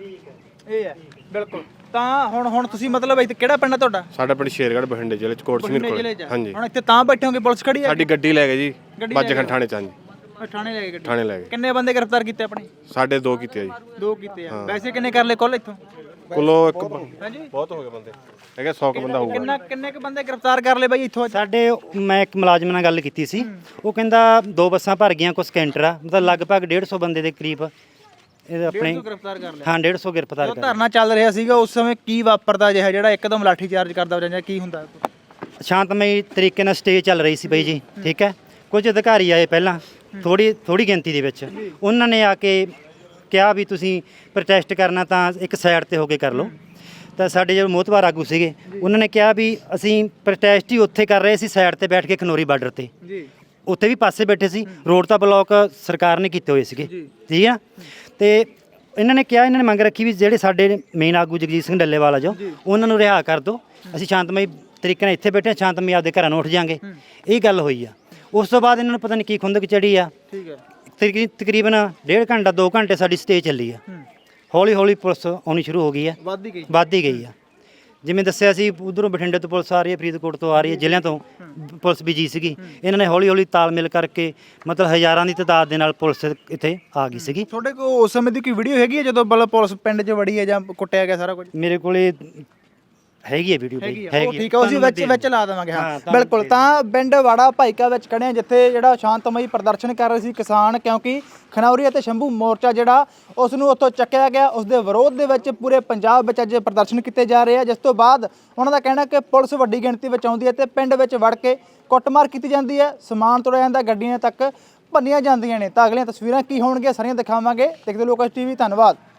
Speaker 2: ਇਹ ਹੈ ਬਿਲਕੁਲ। ਤਾਂ ਹੁਣ ਹੁਣ ਤੁਸੀਂ ਮਤਲਬ ਇੱਥੇ ਕਿਹੜਾ ਪਿੰਡ ਹੈ ਤੁਹਾਡਾ?
Speaker 4: ਸਾਡਾ ਪਿੰਡ ਸ਼ੇਰਗੜ੍ਹ ਬਠਿੰਡੇ ਜ਼ਿਲ੍ਹੇ ਚ ਕੋਟ ਸਮੀਰ
Speaker 2: ਜ਼ਿਲ੍ਹੇ
Speaker 4: ਕੋਲ।
Speaker 2: 'ਚ।
Speaker 4: ਹਾਂਜੀ
Speaker 2: ਹੁਣ ਇੱਥੇ ਤਾਂ ਬੈਠੇ ਹੋਗੇ, ਪੁਲਿਸ ਖੜੀ ਹੈ?
Speaker 4: ਸਾਡੀ ਗੱਡੀ ਲੈ ਗਏ ਜੀ
Speaker 2: ਗੱਡੀ ਲੈ
Speaker 4: ਬੱਜਖਣ
Speaker 2: ਗਏ।
Speaker 4: ਥਾਣੇ ਚ। ਹਾਂਜੀ
Speaker 2: ਉਹ ਥਾਣੇ ਲੈ ਗਏ ਗੱਡੀ?
Speaker 4: ਥਾਣੇ ਲੈ ਗਏ।
Speaker 2: ਕਿੰਨੇ ਬੰਦੇ ਗ੍ਰਿਫਤਾਰ ਕੀਤੇ ਆਪਣੇ?
Speaker 4: ਸਾਡੇ ਦੋ ਕੀਤੇ ਆ ਜੀ।
Speaker 2: ਦੋ ਕੀਤੇ ਆ। ਵੈਸੇ ਕਿੰਨੇ ਕਰ ਲਏ ਕੁੱਲ ਇੱਥੋਂ?
Speaker 4: ਕੁੱਲੋ ਇੱਕ
Speaker 2: ਹਾਂਜੀ
Speaker 4: ਬਹੁਤ ਹੋ ਗਏ ਬੰਦੇ, ਹੈਗੇ ਸੌ ਕੁ ਬੰਦਾ ਹੋਊਗਾ।
Speaker 2: ਕਿੰਨਾ ਕਿੰਨੇ ਕੁ ਬੰਦੇ ਗ੍ਰਿਫਤਾਰ ਕਰ ਲਏ ਬਾਈ ਇੱਥੋਂ ਅੱਜ?
Speaker 5: ਸਾਡੇ ਮੈਂ ਇੱਕ ਮੁਲਾਜ਼ਮ ਨਾਲ ਗੱਲ ਕੀਤੀ ਸੀ, ਉਹ ਕਹਿੰਦਾ ਦੋ ਬੱਸਾਂ ਭਰ ਗਈਆਂ, ਕੁਝ ਕੈਂਟਰ ਆ, ਮਤਲਬ ਲਗਭਗ ਡੇਢ ਸੌ ਬੰਦੇ ਦੇ ਕਰੀਬ ਇਹ ਆਪਣੇ
Speaker 2: ਗ੍ਰਿਫਤਾਰ ਕਰ ਲਿਆ।
Speaker 5: ਹਾਂ ਡੇਢ ਸੌ ਗ੍ਰਿਫਤਾਰ
Speaker 2: ਜਦੋਂ
Speaker 5: ਕਰ
Speaker 2: ਧਰਨਾ ਚੱਲ ਰਿਹਾ ਸੀਗਾ ਉਸ ਸਮੇਂ ਕੀ ਵਾਪਰਦਾ ਜਿਹਾ ਜਿਹੜਾ ਇੱਕਦਮ ਲਾਠੀ ਚਾਰਜ ਕਰਦਾ ਹੋ ਜਾਂਦਾ ਕੀ ਹੁੰਦਾ?
Speaker 5: ਸ਼ਾਂਤਮਈ ਤਰੀਕੇ ਨਾਲ ਸਟੇ ਚੱਲ ਰਹੀ ਸੀ ਬਾਈ ਜੀ, ਠੀਕ ਹੈ। ਕੁਝ ਅਧਿਕਾਰੀ ਆਏ ਪਹਿਲਾਂ ਥੋੜੀ ਥੋੜੀ ਗਿਣਤੀ ਦੇ ਵਿੱਚ, ਉਹਨਾਂ ਨੇ ਆ ਕੇ ਕਿਹਾ ਵੀ ਤੁਸੀਂ ਪ੍ਰੋਟੈਸਟ ਕਰਨਾ ਤਾਂ ਇੱਕ ਸਾਈਡ ਤੇ ਹੋ ਕੇ ਕਰ ਲਓ। ਤਾਂ ਸਾਡੇ ਜੋ ਮੋਹਤਬਾਰ ਆਗੂ ਸੀਗੇ ਉਹਨਾਂ ਨੇ ਕਿਹਾ ਵੀ ਅਸੀਂ ਪ੍ਰੋਟੈਸਟ ਹੀ ਉੱਥੇ ਕਰ ਰਹੇ ਸੀ ਸਾਈਡ ਤੇ ਬੈਠ ਕੇ ਖਨੌਰੀ ਬਾਰਡਰ ਤੇ,
Speaker 2: ਜੀ
Speaker 5: ਉੱਥੇ ਵੀ ਪਾਸੇ ਬੈਠੇ ਸੀ, ਰੋਡ ਤਾਂ ਬਲੌਕ ਸਰਕਾਰ ਨੇ ਕੀਤੇ ਹੋਏ ਸੀਗੇ, ਠੀਕ ਆ। ਤੇ ਇਹਨਾਂ ਨੇ ਕਿਹਾ, ਇਹਨਾਂ ਨੇ ਮੰਗ ਰੱਖੀ ਵੀ ਜਿਹੜੇ ਸਾਡੇ ਮੇਨ ਆਗੂ ਜਗਜੀਤ ਸਿੰਘ ਡੱਲੇਵਾਲ ਆ ਜੋ ਉਹਨਾਂ ਨੂੰ ਰਿਹਾ ਕਰ ਦਿਓ, ਅਸੀਂ ਸ਼ਾਂਤਮਈ ਤਰੀਕੇ ਨਾਲ ਇੱਥੇ ਬੈਠੇ, ਸ਼ਾਂਤਮਈ ਆਪਦੇ ਘਰਾਂ ਨੂੰ ਉੱਠ ਜਾਾਂਗੇ। ਇਹ ਗੱਲ ਹੋਈ ਆ। ਉਸ ਤੋਂ ਬਾਅਦ ਇਹਨਾਂ ਨੂੰ ਪਤਾ ਨਹੀਂ ਕੀ ਖੁੰਦਕ ਚੜੀ ਆ।
Speaker 2: ਠੀਕ ਹੈ।
Speaker 5: ਤਕਰੀ- ਤਕਰੀਬਨ ਡੇਢ ਘੰਟਾ ਦੋ ਘੰਟੇ ਸਾਡੀ ਸਟੇ ਚੱਲੀ ਆ। ਹੌਲੀ ਹੌਲੀ ਪੁਲਿਸ ਆਉਣੀ ਸ਼ੁਰੂ ਹੋ ਗਈ ਆ,
Speaker 2: ਵੱਧ ਗਈ
Speaker 5: ਵੱਧ ਹੀ ਗਈ ਆ। ਜਿਵੇਂ ਦੱਸਿਆ ਸੀ ਉਧਰੋਂ ਬਠਿੰਡੇ ਤੋਂ ਪੁਲਿਸ ਆ ਰਹੀ ਹੈ, ਫਰੀਦਕੋਟ ਤੋਂ ਆ ਰਹੀ ਹੈ, ਜ਼ਿਲ੍ਹਿਆਂ ਤੋਂ ਪੁਲਿਸ ਵੀ ਜੀ ਸੀਗੀ। ਇਹਨਾਂ ਨੇ ਹੌਲੀ ਹੌਲੀ ਤਾਲਮੇਲ ਕਰਕੇ ਮਤਲਬ ਹਜ਼ਾਰਾਂ ਦੀ ਤਾਦਾਦ ਦੇ ਨਾਲ ਪੁਲਿਸ ਇੱਥੇ ਆ ਗਈ ਸੀਗੀ।
Speaker 2: ਤੁਹਾਡੇ ਕੋਲ ਉਸ ਸਮੇਂ ਦੀ ਕੋਈ ਵੀਡੀਓ ਹੈਗੀ ਹੈ ਜਦੋਂ ਮਤਲਬ ਪੁਲਿਸ ਪਿੰਡ 'ਚ ਵੜੀ ਹੈ ਜਾਂ ਕੁੱਟਿਆ ਗਿਆ ਸਾਰਾ ਕੁਝ?
Speaker 5: ਮੇਰੇ ਕੋਲੇ ਹੈਗੀ ਹੈ ਵੀਡੀਓ,
Speaker 2: ਹੈਗੀ ਆ।
Speaker 5: ਹੈਗੀ
Speaker 2: ਉਹ ਠੀਕ ਹੈ, ਅਸੀਂ ਵਿੱਚ ਵਿੱਚ ਲਾ ਦੇਵਾਂਗੇ। ਹਾਂ
Speaker 5: ਹਾਂ, ਤੁਹਾਨੂੰ
Speaker 2: ਬਿਲਕੁਲ। ਤਾਂ ਪਿੰਡ ਵਾੜਾ ਭਾਈਕਾ ਵਿੱਚ ਖੜੇ ਹਾਂ ਜਿੱਥੇ ਜਿਹੜਾ ਸ਼ਾਂਤਮਈ ਪ੍ਰਦਰਸ਼ਨ ਕਰ ਰਹੇ ਸੀ ਕਿਸਾਨ, ਕਿਉਂਕਿ ਖਨੌਰੀ ਅਤੇ ਸ਼ੰਭੂ ਮੋਰਚਾ ਜਿਹੜਾ ਉਸ ਨੂੰ ਉੱਥੋਂ ਚੱਕਿਆ ਗਿਆ। ਉਸ ਦੇ ਵਿਰੋਧ ਦੇ ਵਿੱਚ ਪੂਰੇ ਪੰਜਾਬ ਵਿੱਚ ਅੱਜ ਪ੍ਰਦਰਸ਼ਨ ਕੀਤੇ ਜਾ ਰਹੇ ਆ, ਜਿਸ ਤੋਂ ਬਾਅਦ ਉਹਨਾਂ ਦਾ ਕਹਿਣਾ ਕਿ ਪੁਲਿਸ ਵੱਡੀ ਗਿਣਤੀ ਵਿੱਚ ਆਉਂਦੀ ਹੈ ਤੇ ਪਿੰਡ ਵਿੱਚ ਵੜ ਕੇ ਕੁੱਟਮਾਰ ਕੀਤੀ ਜਾਂਦੀ ਹੈ, ਸਮਾਨ ਤੋੜਿਆ ਜਾਂਦਾ, ਗੱਡੀਆਂ ਤੱਕ ਭੰਨੀਆਂ ਜਾਂਦੀਆਂ ਨੇ। ਤਾਂ ਅਗਲੀਆਂ ਤਸਵੀਰਾਂ ਕੀ ਹੋਣਗੀਆਂ ਸਾਰੀਆਂ ਦਿਖਾਵਾਂਗੇ। ਦੇਖਦੇ ਲੋਕਾਂ ਟੀਵੀ। ਧੰਨਵਾਦ।